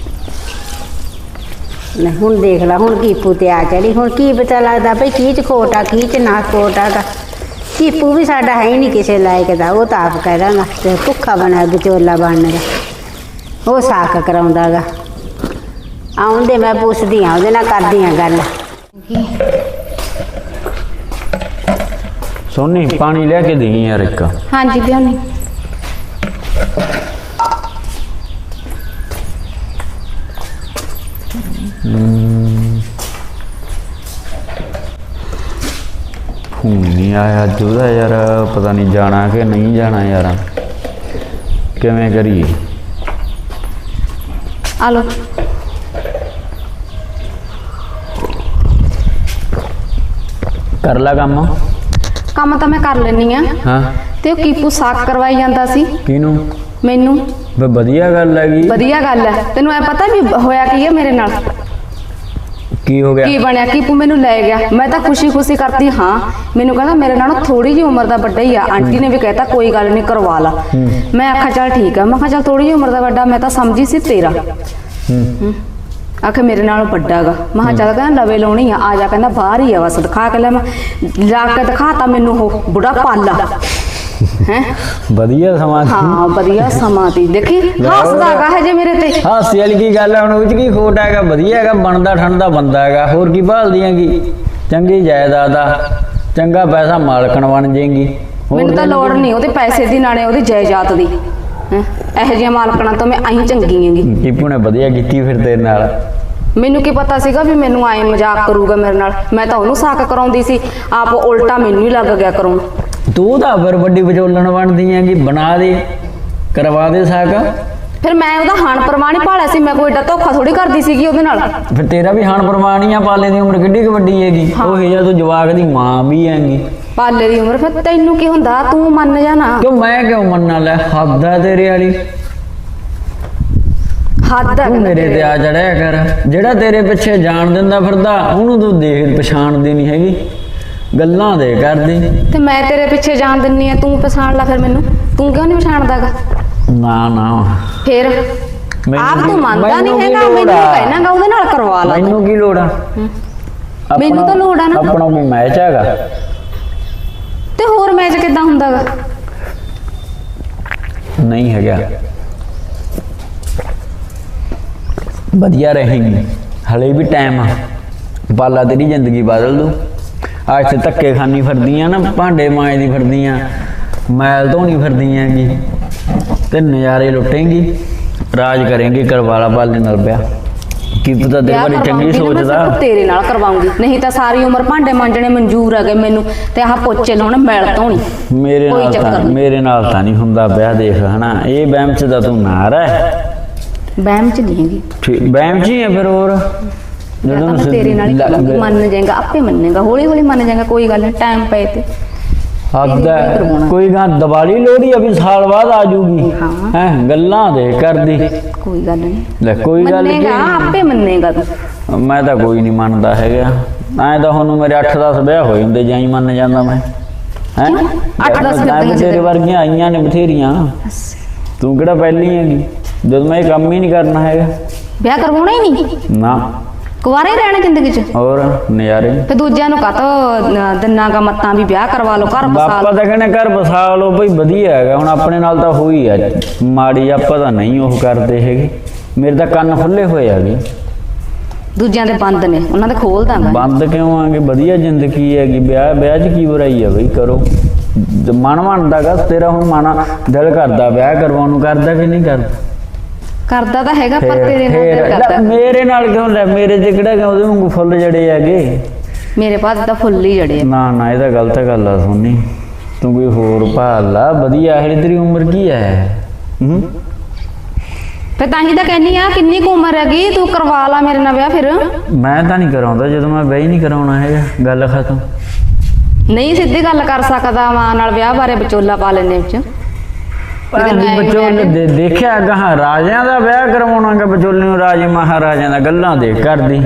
S3: ਲੈ ਹੁਣ ਦੇਖ ਲਾ, ਹੁਣ ਕੀਪੂ ਤੇ ਆ ਚੜੀ। ਹੁਣ ਕੀ ਪਤਾ ਲੱਗਦਾ ਭਈ ਕੀ ਚ ਖੋਟ ਆ, ਕੀ ਚ ਨਾ ਖੋਟ ਆ। ਕੀਪੂ ਵੀ ਸਾਡਾ ਹੈ ਹੀ ਨਹੀਂ ਕਿਸੇ ਲਾਇਕ ਦਾ। ਉਹ ਤਾਂ ਆਪ ਕਹਿ ਦਾਂਗਾ ਤੇ ਭੁੱਖਾ ਬਣਾ ਵਿਚੋਲਾ ਬਣਨ ਦਾ। ਉਹ ਸਾਕ ਕਰਾਉਂਦਾ ਗਾ। ਆਉਂਦੇ ਮੈਂ ਪੁੱਛਦੀ ਆ ਉਹਦੇ ਨਾਲ, ਕਰਦੀ ਆ ਗੱਲ।
S4: ਸੋਨੀ ਪਾਣੀ ਲੈ ਕੇ ਦੇਈ ਯਾਰ ਇੱਕ।
S1: ਹਾਂਜੀ ਲਿਆਉਣੀ।
S4: ਫੋਨ ਨਹੀਂ ਆਇਆ ਅੱਜ ਉਹਦਾ ਯਾਰ, ਪਤਾ ਨਹੀਂ ਜਾਣਾ ਕਿ ਨਹੀਂ ਜਾਣਾ ਯਾਰ। ਕਿਵੇਂ ਕਰੀਏ?
S1: ਆ ਲੋ।
S4: ਕਰ ਲਾ ਕੰਮ।
S1: ਕੰਮ ਤਾਂ ਮੈਂ ਕਰ ਲੈਣੀ ਆ।
S4: ਹਾਂ
S1: ਤੇ ਉਹ ਕੀਪੂ ਸਾਕ ਕਰਵਾਈ ਜਾਂਦਾ ਸੀ
S4: ਕਿਹਨੂੰ?
S1: ਮੈਨੂੰ।
S4: ਬਈ ਵਧੀਆ ਗੱਲ ਹੈਗੀ।
S1: ਵਧੀਆ ਗੱਲ ਹੈ। ਤੈਨੂੰ ਐ ਪਤਾ ਵੀ ਹੋਇਆ ਕੀ ਹੈ ਮੇਰੇ ਨਾਲ?
S4: ਕੀ ਹੋ ਗਿਆ?
S1: ਕੀ ਬਣਿਆ? ਕੀਪੂ ਮੈਨੂੰ ਲੈ ਗਿਆ। ਮੈਂ ਤਾਂ ਖੁਸ਼ੀ ਖੁਸ਼ੀ ਕਰਤੀ ਹਾਂ। ਮੈਨੂੰ ਕਹਿੰਦਾ ਮੇਰੇ ਨਾਲੋਂ ਥੋੜੀ ਜਿਹੀ ਉਮਰ ਦਾ ਵੱਡਾ ਹੀ ਆ। ਆਂਟੀ ਨੇ ਵੀ ਕਹਿਤਾ ਕੋਈ ਗੱਲ ਨਹੀਂ ਕਰਵਾ ਲਾ। ਮੈਂ ਆਖਿਆ ਚੱਲ ਠੀਕ ਆ। ਮੈਂ ਕਿਹਾ ਚੱਲ ਥੋੜੀ ਜਿਹੀ ਉਮਰ ਦਾ ਵੱਡਾ, ਮੈਂ ਤਾਂ ਸਮਝੀ ਸੀ ਤੇਰਾ।
S4: ਹੂੰ
S1: ਆਖੇ ਮੇਰੇ ਨਾਲੋਂ ਵੱਡਾ ਗਾ। ਮੈਂ ਕਿਹਾ ਚੱਲ ਕਹਿੰਦਾ ਲਵੇ ਲਾਉਣੀ ਆ, ਆ ਜਾ। ਕਹਿੰਦਾ ਬਾਹਰ ਹੀ ਆ ਬਸ, ਦਿਖਾ ਕੇ ਲੈ। ਮੈਂ ਜਾ ਕੇ ਦਿਖਾਤਾ ਮੈਨੂੰ ਉਹ ਬੁੜਾ ਪਾਲਾ ਹੈ।
S4: ਵਧੀਆ ਸਮਾਂ ਸੀ।
S1: ਹਾਂ ਵਧੀਆ ਸਮਾਂ ਤੀ। ਦੇਖੀ ਹੱਸਦਾ ਗਾ ਹਜੇ ਮੇਰੇ ਤੇ।
S4: ਹਾਸੀ ਵਾਲੀ ਕੀ ਗੱਲ ਹੈ ਹੁਣ? ਉਹ ਚ ਕੀ ਖੋਟ ਹੈਗਾ? ਵਧੀਆ ਹੈਗਾ, ਬਣਦਾ ਠੰਡਾ ਬੰਦਾ ਹੈਗਾ। ਹੋਰ ਕੀ ਭਾਲਦੀ ਹੈਗੀ? ਚੰਗੀ ਜਾਇਦਾਦ ਆ, ਚੰਗਾ ਪੈਸਾ ਮਾਲਕਣ ਬਣ ਜਾਏਗੀ।
S1: ਮੈਨੂੰ ਤਾਂ ਲੋੜ ਨਹੀਂ ਉਹਦੇ ਪੈਸੇ ਦੀ, ਨਾਲੇ ਉਹਦੀ ਜਾਇਦਾਦ ਦੀ। ਹੈ ਇਹੋ ਜਿਹੀਆਂ ਮਾਲਕਣਾ ਤੋਂ ਮੈਂ ਅਹੀਂ ਚੰਗੀ ਹੈਗੀ।
S4: ਕੀਪੂ ਨੇ ਵਧੀਆ ਕੀਤੀ ਫਿਰ ਤੇਰੇ ਨਾਲ।
S1: ਮੈਨੂੰ ਕੀ ਪਤਾ ਸੀਗਾ ਵੀ ਮੈਨੂੰ ਆਏ ਮਜ਼ਾਕ ਕਰੂਗਾ ਮੇਰੇ ਨਾਲ। ਮੈਂ ਤਾਂ ਉਹਨੂੰ ਸਾਕ ਕਰਾਉਂਦੀ ਸੀ, ਆਪ ਉਲਟਾ ਮੈਨੂੰ ਹੀ ਲੱਗ ਗਿਆ ਕਰਾਉਣ।
S4: ਤੂੰ ਤਾਂ ਫਿਰ ਵੱਡੀ ਵਿਚੋਲਣ ਬਣਦੀ ਹੈਗੀ। ਬਣਾ ਦੇ, ਕਰਵਾ ਦੇ ਸਾਕ।
S1: ਫਿਰ ਮੈਂ ਉਹਦਾ ਹਾਣ ਪ੍ਰਮਾਣ ਹੀ ਭਾਲਿਆ ਸੀ। ਮੈਂ ਕੋਈ ਏਡਾ ਧੋਖਾ ਥੋੜੀ ਕਰਦੀ ਸੀਗੀ ਉਹਦੇ ਨਾਲ।
S4: ਫਿਰ ਤੇਰਾ ਵੀ ਹਾਣ ਪ੍ਰਮਾਣ ਹੀ ਆ। ਪਾਲੇ ਦੀ ਉਮਰ ਕਿੱਡੀ ਕੁ ਵੱਡੀ ਹੈਗੀ। ਉਹ ਜਿਹਾ ਤੂੰ ਜਵਾਕ ਦੀ ਮਾਂ ਵੀ ਹੈਗੀ।
S1: ਪਾਲੇ ਦੀ ਉਮਰ, ਫਿਰ ਤੈਨੂੰ ਕੀ ਹੁੰਦਾ? ਤੂੰ ਮੰਨ ਜਾ ਨਾ।
S4: ਕਿਉਂ ਮੈਂ ਕਿਉਂ ਮੰਨਾਂ? ਲੈ ਹੱਦ ਆ ਤੇਰੇ ਵਾਲੀ।
S1: ਹੱਦ
S4: ਤੂੰ ਮੇਰੇ ਤੇ ਆ ਚੜਿਆ ਕਰ। ਜਿਹੜਾ ਤੇਰੇ ਪਿੱਛੇ ਜਾਣ ਦਿੰਦਾ ਫਿਰਦਾ, ਉਹਨੂੰ ਤੂੰ ਦੇਖ ਪਛਾਣਦੀ ਨਹੀਂ ਹੈਗੀ। ਗੱਲਾਂ ਦੇ ਕਰਦੀ।
S1: ਤੇ ਮੈਂ ਤੇਰੇ ਪਿੱਛੇ ਜਾਣ ਦਿੰਨੀ ਆ, ਤੂੰ ਪਛਾਣ ਲੈ ਫਿਰ ਮੈਨੂੰ। ਤੂੰ ਕਿਉਂ ਨਹੀਂ ਪਛਾਣਦਾਗਾ?
S4: ਨਾ ਨਾ
S1: ਫਿਰ ਆਪ ਤੂੰ ਮੰਨਦਾ ਨਹੀਂ ਹੈਗਾ। ਮੈਨੂੰ ਕਹਿਣਾਗਾ ਉਹਦੇ ਨਾਲ ਕਰਵਾ ਲਾ।
S4: ਮੈਨੂੰ ਕੀ ਲੋੜ ਆ?
S1: ਮੈਨੂੰ ਤਾਂ ਲੋੜ ਆ ਨਾ।
S4: ਆਪਣਾ ਕੋਈ ਮੈਚ ਹੈਗਾ
S1: ਤੇ ਹੋਰ ਮੈਚ ਕਿੱਦਾਂ ਹੁੰਦਾਗਾ?
S4: ਨਹੀਂ ਹੈਗਾ। ਵਧੀਆ ਰਹੇਗੀ, ਹਲੇ ਵੀ ਟਾਈਮ ਆ। ਪਾਲਾ ਤੇਰੀ ਜ਼ਿੰਦਗੀ ਬਦਲ ਦੂ। ਅੱਜ ਤੇ ਧੱਕੇ ਖਾਨੀ ਫਿਰਦੀਆਂ ਨਾ, ਭਾਂਡੇ ਮਾਂਜਦੀ ਫਿਰਦੀਆਂ, ਮੈਲ ਧੋਣੀ ਫਿਰਦੀਆਂ ਗੀ, ਤੇ ਨਜ਼ਾਰੇ ਲੁੱਟੇਂਗੀ, ਰਾਜ ਕਰੇਂਗੀ। ਕਰਵਾ ਲਾ ਪਾਲੇ ਨਾਲ ਵਿਆਹ। ਕੀ ਪਤਾ ਤੇਰੇ
S1: ਵਿਆਹ
S4: ਬਾਰੇ ਚੰਗੀ
S1: ਕਰਵਾਉਂਗੀ ਨਾ ਮੈਂ
S4: ਸੋਚਦਾ।
S1: ਸਿਰਫ ਤੇਰੇ ਨਾਲ ਕਰਵਾਉਂਗੀ, ਨਹੀਂ ਤਾਂ ਸਾਰੀ ਉਮਰ ਭਾਂਡੇ ਮਾਂਜਣੇ ਮਨਜ਼ੂਰ ਹੈਗੇ ਮੈਨੂੰ, ਤੇ ਆਹ ਪੋਚੇ ਲਾਉਣੇ ਮੈਲ ਧੋਣੀ।
S4: ਮੇਰੇ
S1: ਕੋਈ
S4: ਨਾਲ
S1: ਚੱਕਰ
S4: ਤਾਂ
S1: ਨਹੀਂ।
S4: ਮੇਰੇ ਨਾਲ ਤਾਂ ਨਹੀਂ ਹੁੰਦਾ ਵਿਆਹ, ਦੇਖ ਹਨਾ ਇਹ ਵਹਿਮ ਚ ਤਾਂ ਤੂੰ ਨਾ ਰਹਿ।
S1: ਵਹਿਮ ਚ ਨਹੀਂ ਹੈਗੀ,
S4: ਠੀਕ ਵਹਿਮ ਚ ਹੀ ਹੈ ਫਿਰ ਹੋਰ
S1: ਵਿਆਹ ਤਾਂ ਮੈਂ ਤੇਰੇ ਨਾਲ ਹੀ
S4: ਲ-
S1: ਕਰਾਂਗੀ। ਮੰਨ ਜਾਏਗਾ, ਆਪੇ ਮੰਨੇਗਾ, ਹੌਲੀ ਹੌਲੀ ਮੰਨ ਜਾਏਗਾ, ਕੋਈ ਗੱਲ ਨਹੀਂ, ਟਾਈਮ ਪਏ ਤੇ।
S4: ਹੱਦ
S1: ਇਹ
S4: ਹੈ,
S1: ਨਹੀਂ ਕਰਵਾਉਣਾ।
S4: ਕੋਈ ਗਾਂ ਦੀਵਾਲੀ ਲੋਹੜੀ ਅਭੀ ਸਾਲ ਬਾਅਦ ਆ ਜੂਗੀ
S1: ਹਾਂ।
S4: ਹੈ ਗੱਲਾਂ ਦੇ ਕਰਦੀ
S1: ਕੋਈ ਗੱਲ ਨਹੀਂ,
S4: ਲੈ ਕੋਈ ਗੱਲ
S1: ਮੰਨੇਗਾ,
S4: ਕੀ
S1: ਆਪੇ ਮੰਨੇਗਾ ਤੂੰ।
S4: ਮੈਂ ਤਾਂ ਕੋਈ ਨਹੀਂ ਮੰਨਦਾ ਹੈਗਾ ਐਂ ਤਾਂ ਹੁਣ ਮੇਰੇ ਅੱਠ ਦਸ ਵਿਆਹ ਹੋਏ ਹੁੰਦੇ ਜਾਂ ਹੀ ਮੰਨ ਜਾਂਦਾ ਮੈਂ ਹੈ
S1: ਅੱਠ ਦਸ ਫਿਰਦੀਆਂ ਸੀ
S4: ਤੇਰੇ ਵਰਗੀਆਂ ਆਈਆਂ ਨੇ ਬਥੇਰੀਆਂ, ਤੂੰ ਕਿਹੜਾ ਪਹਿਲੀ ਹੈਗੀ ਜਦੋਂ ਮੈਂ ਇਹ ਕੰਮ ਹੀ ਨਹੀਂ ਕਰਨਾ ਹੈਗਾ।
S1: ਵਿਆਹ ਕਰਵਾਉਣਾ ਹੀ ਨਹੀਂ,
S4: ਨਾ
S1: ਕੁਆਰੇ ਹੀ ਰਹਿਣਾ ਜ਼ਿੰਦਗੀ 'ਚ।
S4: ਹੋਰ ਨਜ਼ਾਰੇ
S1: ਤੇ ਦੂਜਿਆਂ ਨੂੰ ਕਾਹਤੋਂ ਦਿਨਾਂ ਕਾ ਮੱਤਾਂ ਵੀ ਵਿਆਹ ਕਰਵਾ ਲਓ, ਘਰ ਬਸਾ
S4: ਬਾਪਾ
S1: ਲਓ।
S4: ਤਾਂ ਕਹਿੰਦੇ ਘਰ ਬਸਾ ਲਓ ਬਈ ਵਧੀਆ ਹੈਗਾ, ਹੁਣ ਆਪਣੇ ਨਾਲ ਤਾਂ ਹੋਈ ਆ ਮਾੜੀ, ਆਪਾਂ ਤਾਂ ਨਹੀਂ ਉਹ ਕਰਦੇ ਹੈਗੇ, ਮੇਰੇ ਤਾਂ ਕੰਨ ਖੁੱਲੇ ਹੋਏ ਹੈਗੇ।
S1: ਦੂਜਿਆਂ ਦੇ ਬੰਦ ਨੇ, ਉਹਨਾਂ ਦੇ ਖੋਲ ਦਾਂਗਾ।
S4: ਬੰਦ ਕਿਉਂ ਆਂਗੇ, ਵਧੀਆ ਜ਼ਿੰਦਗੀ ਹੈਗੀ, ਵਿਆਹ ਵਿਆਹ 'ਚ ਕੀ ਬੁਰਾਈ ਆ ਬਈ, ਕਰੋ ਜੇ ਮਨ ਮੰਨਦਾਗਾ ਤੇਰਾ, ਹੁਣ ਮਨ ਦਿਲ ਕਰਦਾ ਵਿਆਹ ਕਰਵਾਉਣ ਨੂੰ, ਕਰਦਾ ਕਿ ਨਹੀਂ ਕਰਦਾ?
S1: ਕਰਦਾ ਤਾਂ ਹੈਗਾ, ਪਰ
S4: ਫੇਰ-
S1: ਤੇਰੇ ਨਾਲ
S4: ਫੇਰ-
S1: ਦਿਲ
S4: ਲੈ,
S1: ਕਰਦਾ।
S4: ਮੇਰੇ ਨਾਲ ਕਿਉਂ ਲੈ, ਮੇਰੇ ਤੇ ਕਿਹੜਾ ਕਿ ਉਹਦੇ ਵਾਂਗੂ ਫੁੱਲ ਜੜੇ ਹੈਗੇ।
S1: ਮੇਰੇ ਪਾਸ ਤਾਂ ਫੁੱਲ ਹੀ ਜੜੇ ਆ।
S4: ਨਾ ਨਾ ਇਹ ਤਾਂ ਗਲਤ ਗੱਲ ਆ ਸੋਨੀ, ਤੂੰ ਕੋਈ ਹੋਰ ਭਾਲ ਲਾ ਵਧੀਆ, ਇਹ ਤੇਰੀ ਉਮਰ ਕੀ ਹੈ? ਹੂੰ
S1: ਫਿਰ ਤਾਂ ਹੀ ਤਾਂ ਕਹਿੰਨੀ ਆ, ਕਿੰਨੀ ਕੁ ਉਮਰ ਹੈਗੀ, ਤੂੰ ਕਰਵਾ ਲਾ ਮੇਰੇ ਨਾਲ ਵਿਆਹ। ਫਿਰ
S4: ਮੈਂ ਤਾਂ ਨਹੀਂ ਕਰਾਉਂਦਾ, ਜਦੋਂ ਮੈਂ ਵਿਆਹ ਹੀ ਨਹੀਂ ਕਰਾਉਣਾ ਹੈਗਾ, ਗੱਲ ਖਤਮ।
S1: ਨਹੀਂ ਸਿੱਧੀ ਗੱਲ ਕਰ ਸਕਦਾ, ਮਾਂ ਨਾਲ ਵਿਆਹ ਬਾਰੇ ਵਿਚੋਲਾ ਪਾ ਲੈਣੇ ਵਿੱਚ।
S4: ਵਿਚੋਲੇ ਦੇ ਦੇਖਿਆ ਗਾਹਾਂ ਰਾਜਿਆਂ ਦਾ ਵਿਆਹ ਕਰਵਾਉਣਾਗਾ, ਵਿਚੋਲੇ ਨੂੰ ਰਾਜੇ ਮਹਾਰਾਜਿਆਂ ਦਾ ਗੱਲਾਂ ਦੇ ਕਰਦੀ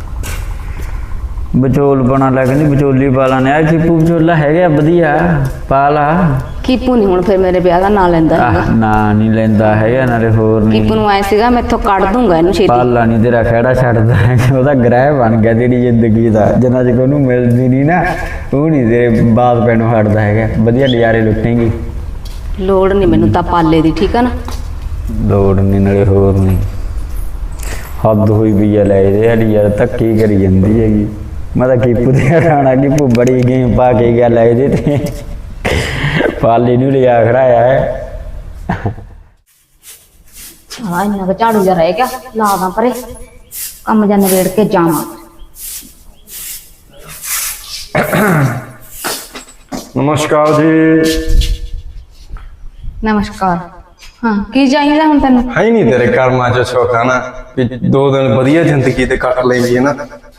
S4: ਵਿਚੋਲ ਬਣਾ ਲੈ, ਕਹਿੰਦੀ ਵਿਚੋਲੀ ਪਾ ਲਾਣੇ ਆ, ਕੀਪੂ ਵਿਚੋਲਾ ਹੈਗਾ ਵਧੀਆ, ਪਾ ਲਾ।
S1: ਕੀਪੂ ਨਹੀਂ ਹੁਣ ਫਿਰ ਮੇਰੇ ਵਿਆਹ ਦਾ ਨਾਂ ਲੈਂਦਾ ਹੈਗਾ।
S4: ਆਹ, ਨਾ ਨਹੀਂ ਲੈਂਦਾ ਹੈਗਾ, ਨਾਲੇ ਹੋਰ ਨਹੀਂ
S1: ਕੀਪੂ ਨੂੰ ਆਏ ਸੀਗਾ ਮੈਥੋਂ ਕੱਢ ਦੂੰਗਾ ਇਹਨੂੰ ਛੇਤੀ।
S4: ਪਾਲਾ ਨਹੀਂ ਤੇਰਾ ਖਹਿੜਾ ਛੱਡਦਾ ਹੈਗਾ, ਉਹਦਾ ਗ੍ਰਹਿ ਬਣ ਗਿਆ ਤੇਰੀ ਜ਼ਿੰਦਗੀ ਦਾ, ਜਿੰਨਾ ਚਿਰ ਉਹਨੂੰ ਮਿਲਦੀ ਨਹੀਂ ਨਾ ਉਹ ਨਹੀਂ ਤੇਰੇ ਬਾਤ ਪੈਣੋਂ ਹਟਦਾ ਹੈਗਾ, ਵਧੀਆ ਨਜ਼ਾਰੇ ਲੁੱਟੇਂਗੀ।
S1: ਲੋੜ ਨਹੀਂ ਮੈਨੂੰ ਤਾਂ ਪਾਲੇ ਦੀ, ਠੀਕ ਆ ਨਾ।
S4: ਲੋੜ ਨਹੀਂ ਨਾਲੇ ਹੋਰ ਨਹੀਂ, ਹੱਦ ਹੋਈ ਪਈ ਆ ਲੈ ਇਹਦੇ ਵਾਲੀ ਯਾਰ, ਧੱਕੀ ਕਰੀ ਜਾਂਦੀ ਹੈਗੀ। ਮੈਂ ਤਾਂ ਕੀਪੂ ਤੇ ਖਾਣਾ, ਕੀਪੂ ਬੜੀ ਗੇਮ ਪਾ ਕੇ ਗਿਆ ਲੈ ਇਹਦੇ ਤੇ, ਪਾਲੇ ਨੂੰ ਲਿਆ ਖੜਾਇਆ ਹੈ।
S1: ਹਾਂ ਇੰਨਾ ਕੁ ਝਾੜੂ ਜਿਹਾ ਰਹਿ ਗਿਆ, ਲਾ ਦਾਂ ਪਰੇ, ਕੰਮ ਜਾਂ ਨਵੇੜ ਕੇ ਜਾਵਾਂ।
S5: ਨਮਸਕਾਰ ਜੀ।
S1: ਨਮਸਕਾਰ। ਹਾਂ ਕੀ ਚਾਹੀਦਾ ਹੁਣ ਤੈਨੂੰ?
S5: ਹੈ ਹੀ ਨਹੀਂ ਤੇਰੇ ਕਰਮਾਂ ਚ ਸੁੱਖ ਆ ਨਾ, ਵੀ ਦੋ ਦਿਨ ਵਧੀਆ ਜ਼ਿੰਦਗੀ ਤੇ ਕੱਟ ਲੈਂਦੀ ਹੈ ਨਾ।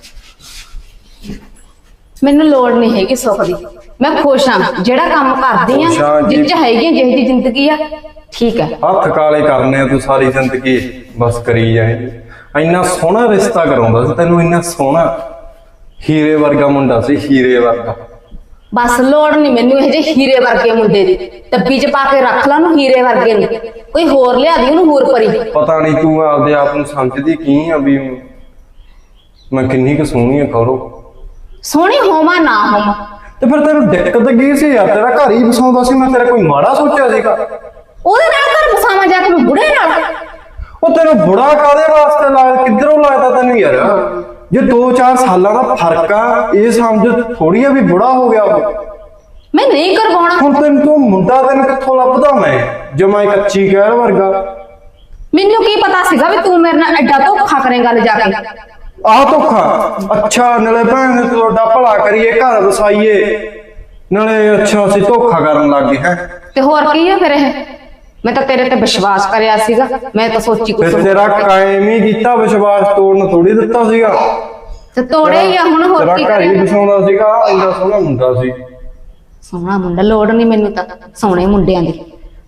S1: ਮੈਨੂੰ ਲੋੜ ਨਹੀਂ ਹੈਗੀ ਸੁੱਖ ਦੀ, ਮੈਂ ਖੁਸ਼ ਹਾਂ ਜਿਹੜਾ ਕੰਮ ਕਰਦੀ
S5: ਖੁਸ਼ ਹਾਂ
S1: ਆ,
S5: ਜੀ।
S1: ਜਿੱਚ ਹੈਗੀ ਜਿਹੀ ਦੀ ਜ਼ਿੰਦਗੀ ਆ, ਠੀਕ ਹੈ।
S5: ਹੱਥ ਕਾਲੇ ਕਰਨੇ ਆ ਤੂੰ ਸਾਰੀ ਜ਼ਿੰਦਗੀ, ਬਸ ਕਰੀ ਜਾਏ। ਇੰਨਾ ਸੋਹਣਾ ਰਿਸ਼ਤਾ ਕਰਾਉਂਦਾ ਸੀ ਤੈਨੂੰ, ਇੰਨਾ ਸੋਹਣਾ ਹੀਰੇ ਵਰਗਾ ਮੁੰਡਾ ਸੀ, ਹੀਰੇ ਵਰਗਾ।
S1: ਬਸ ਲੋੜ ਨਹੀਂ ਮੈਨੂੰ ਇਹ ਜਿਹੇ ਹੀਰੇ ਵਰਗੇ ਮੁੰਡੇ ਦੀ, ਡੱਬੀ 'ਚ ਪਾ ਕੇ ਰੱਖ ਲਾ ਉਹਨੂੰ ਹੀਰੇ ਵਰਗੇ ਨੂੰ, ਕੋਈ ਹੋਰ ਲਿਆ ਦੀ ਉਹਨੂੰ ਹੋਰ ਪਰੀ।
S5: ਪਤਾ ਨਹੀਂ ਤੂੰ ਆਪਦੇ ਆਪ ਨੂੰ ਸਮਝਦੀ ਕੀ ਆ ਵੀ ਮੈਂ ਕਿੰਨੀ ਕੁ ਸੋਹਣੀ ਆ ਕਰੋ।
S1: ਸੋਹਣੀ ਹੋਵਾਂ ਨਾ ਹੋਵਾਂ,
S5: ਤੇ ਫਿਰ ਤੈਨੂੰ ਦਿੱਕਤ ਕੀ ਸੀ ਯਾਰ, ਤੇਰਾ ਘਰ ਹੀ ਵਸਾਉਂਦਾ ਸੀ, ਮੈਂ ਤੇਰਾ ਕੋਈ ਮਾੜਾ ਸੋਚਿਆ ਸੀਗਾ?
S1: ਉਹਦੇ ਨਾਲ ਘਰ ਬਸਾਵਾਂ ਜਾ ਕੇ ਮੈਂ ਬੁੜੇ ਨਾਲ।
S5: ਉਹ ਤੈਨੂੰ ਬੁੜਾ ਕਾਦੇ ਵਾਸਤੇ ਲਾਇਆ, ਕਿੱਧਰੋਂ ਲਾਇਆ ਤੈਨੂੰ ਯਾਰ? ਜੇ ਦੋ ਚਾਰ ਸਾਲਾਂ ਦਾ ਫਰਕ ਆ, ਇਹ ਸਮਝ ਥੋੜੀ ਆ ਵੀ ਬੁੜਾ ਹੋ ਗਿਆ ਉਹ।
S1: ਮੈਂ ਨਹੀਂ ਕਰਵਾਉਣਾ।
S5: ਹੁਣ ਤੈਨੂੰ ਤੂੰ ਮੁੰਡਾ ਤੈਨੂੰ ਕਿੱਥੋਂ ਲੱਭਦਾ ਮੈਂ, ਜਮਾਈ ਕੱਚੀ ਕਹਿਰ ਵਰਗਾ।
S1: ਮੈਨੂੰ ਕੀ ਪਤਾ ਸੀਗਾ ਵੀ ਤੂੰ ਮੇਰੇ ਨਾਲ ਐਡਾ ਧੋਖਾ ਕਰੇਂਗਾ ਲੈ ਜਾ ਕੇ।
S5: ਆਹ ਧੋਖਾ? ਅੱਛਾ ਨਾਲੇ ਭੈਣ ਨੇ ਤੁਹਾਡਾ ਭਲਾ ਕਰੀਏ, ਘਰ ਵਸਾਈਏ, ਨਾਲੇ ਅੱਛਾ ਅਸੀਂ ਧੋਖਾ ਕਰਨ ਲੱਗ ਗਏ ਹੈ।
S1: ਤੇ ਹੋਰ ਕੀ ਹੈ ਫਿਰ ਇਹ? ਮੈਂ ਤਾਂ ਤੇਰੇ ਤੇ ਵਿਸ਼ਵਾਸ ਕਰਿਆ ਸੀਗਾ, ਮੈਂ ਤਾਂ ਸੋਚੀ ਕੁਛ
S5: ਫਿਰ ਤੇਰਾ ਕਾਇਮ ਹੀ ਕੀਤਾ ਵਿਸ਼ਵਾਸ, ਤੋੜਨ ਥੋੜੀ ਦਿੱਤਾ ਸੀਗਾ।
S1: ਤੇ ਤੋੜੇ ਹੀ ਆ ਹੁਣ, ਹੋਰ
S5: ਤੇਰਾ
S1: ਕੀ
S5: ਘਰ ਹੀ
S1: ਕਰੇ?
S5: ਵਸਾਉਂਦਾ ਸੀਗਾ, ਇੰਨਾ ਸੋਹਣਾ ਮੁੰਡਾ ਸੀ।
S1: ਸੋਹਣਾ ਮੁੰਡਾ, ਲੋੜ ਨਹੀਂ ਮੈਨੂੰ ਤਾਂ ਸੋਹਣੇ ਮੁੰਡਿਆਂ ਦੀ।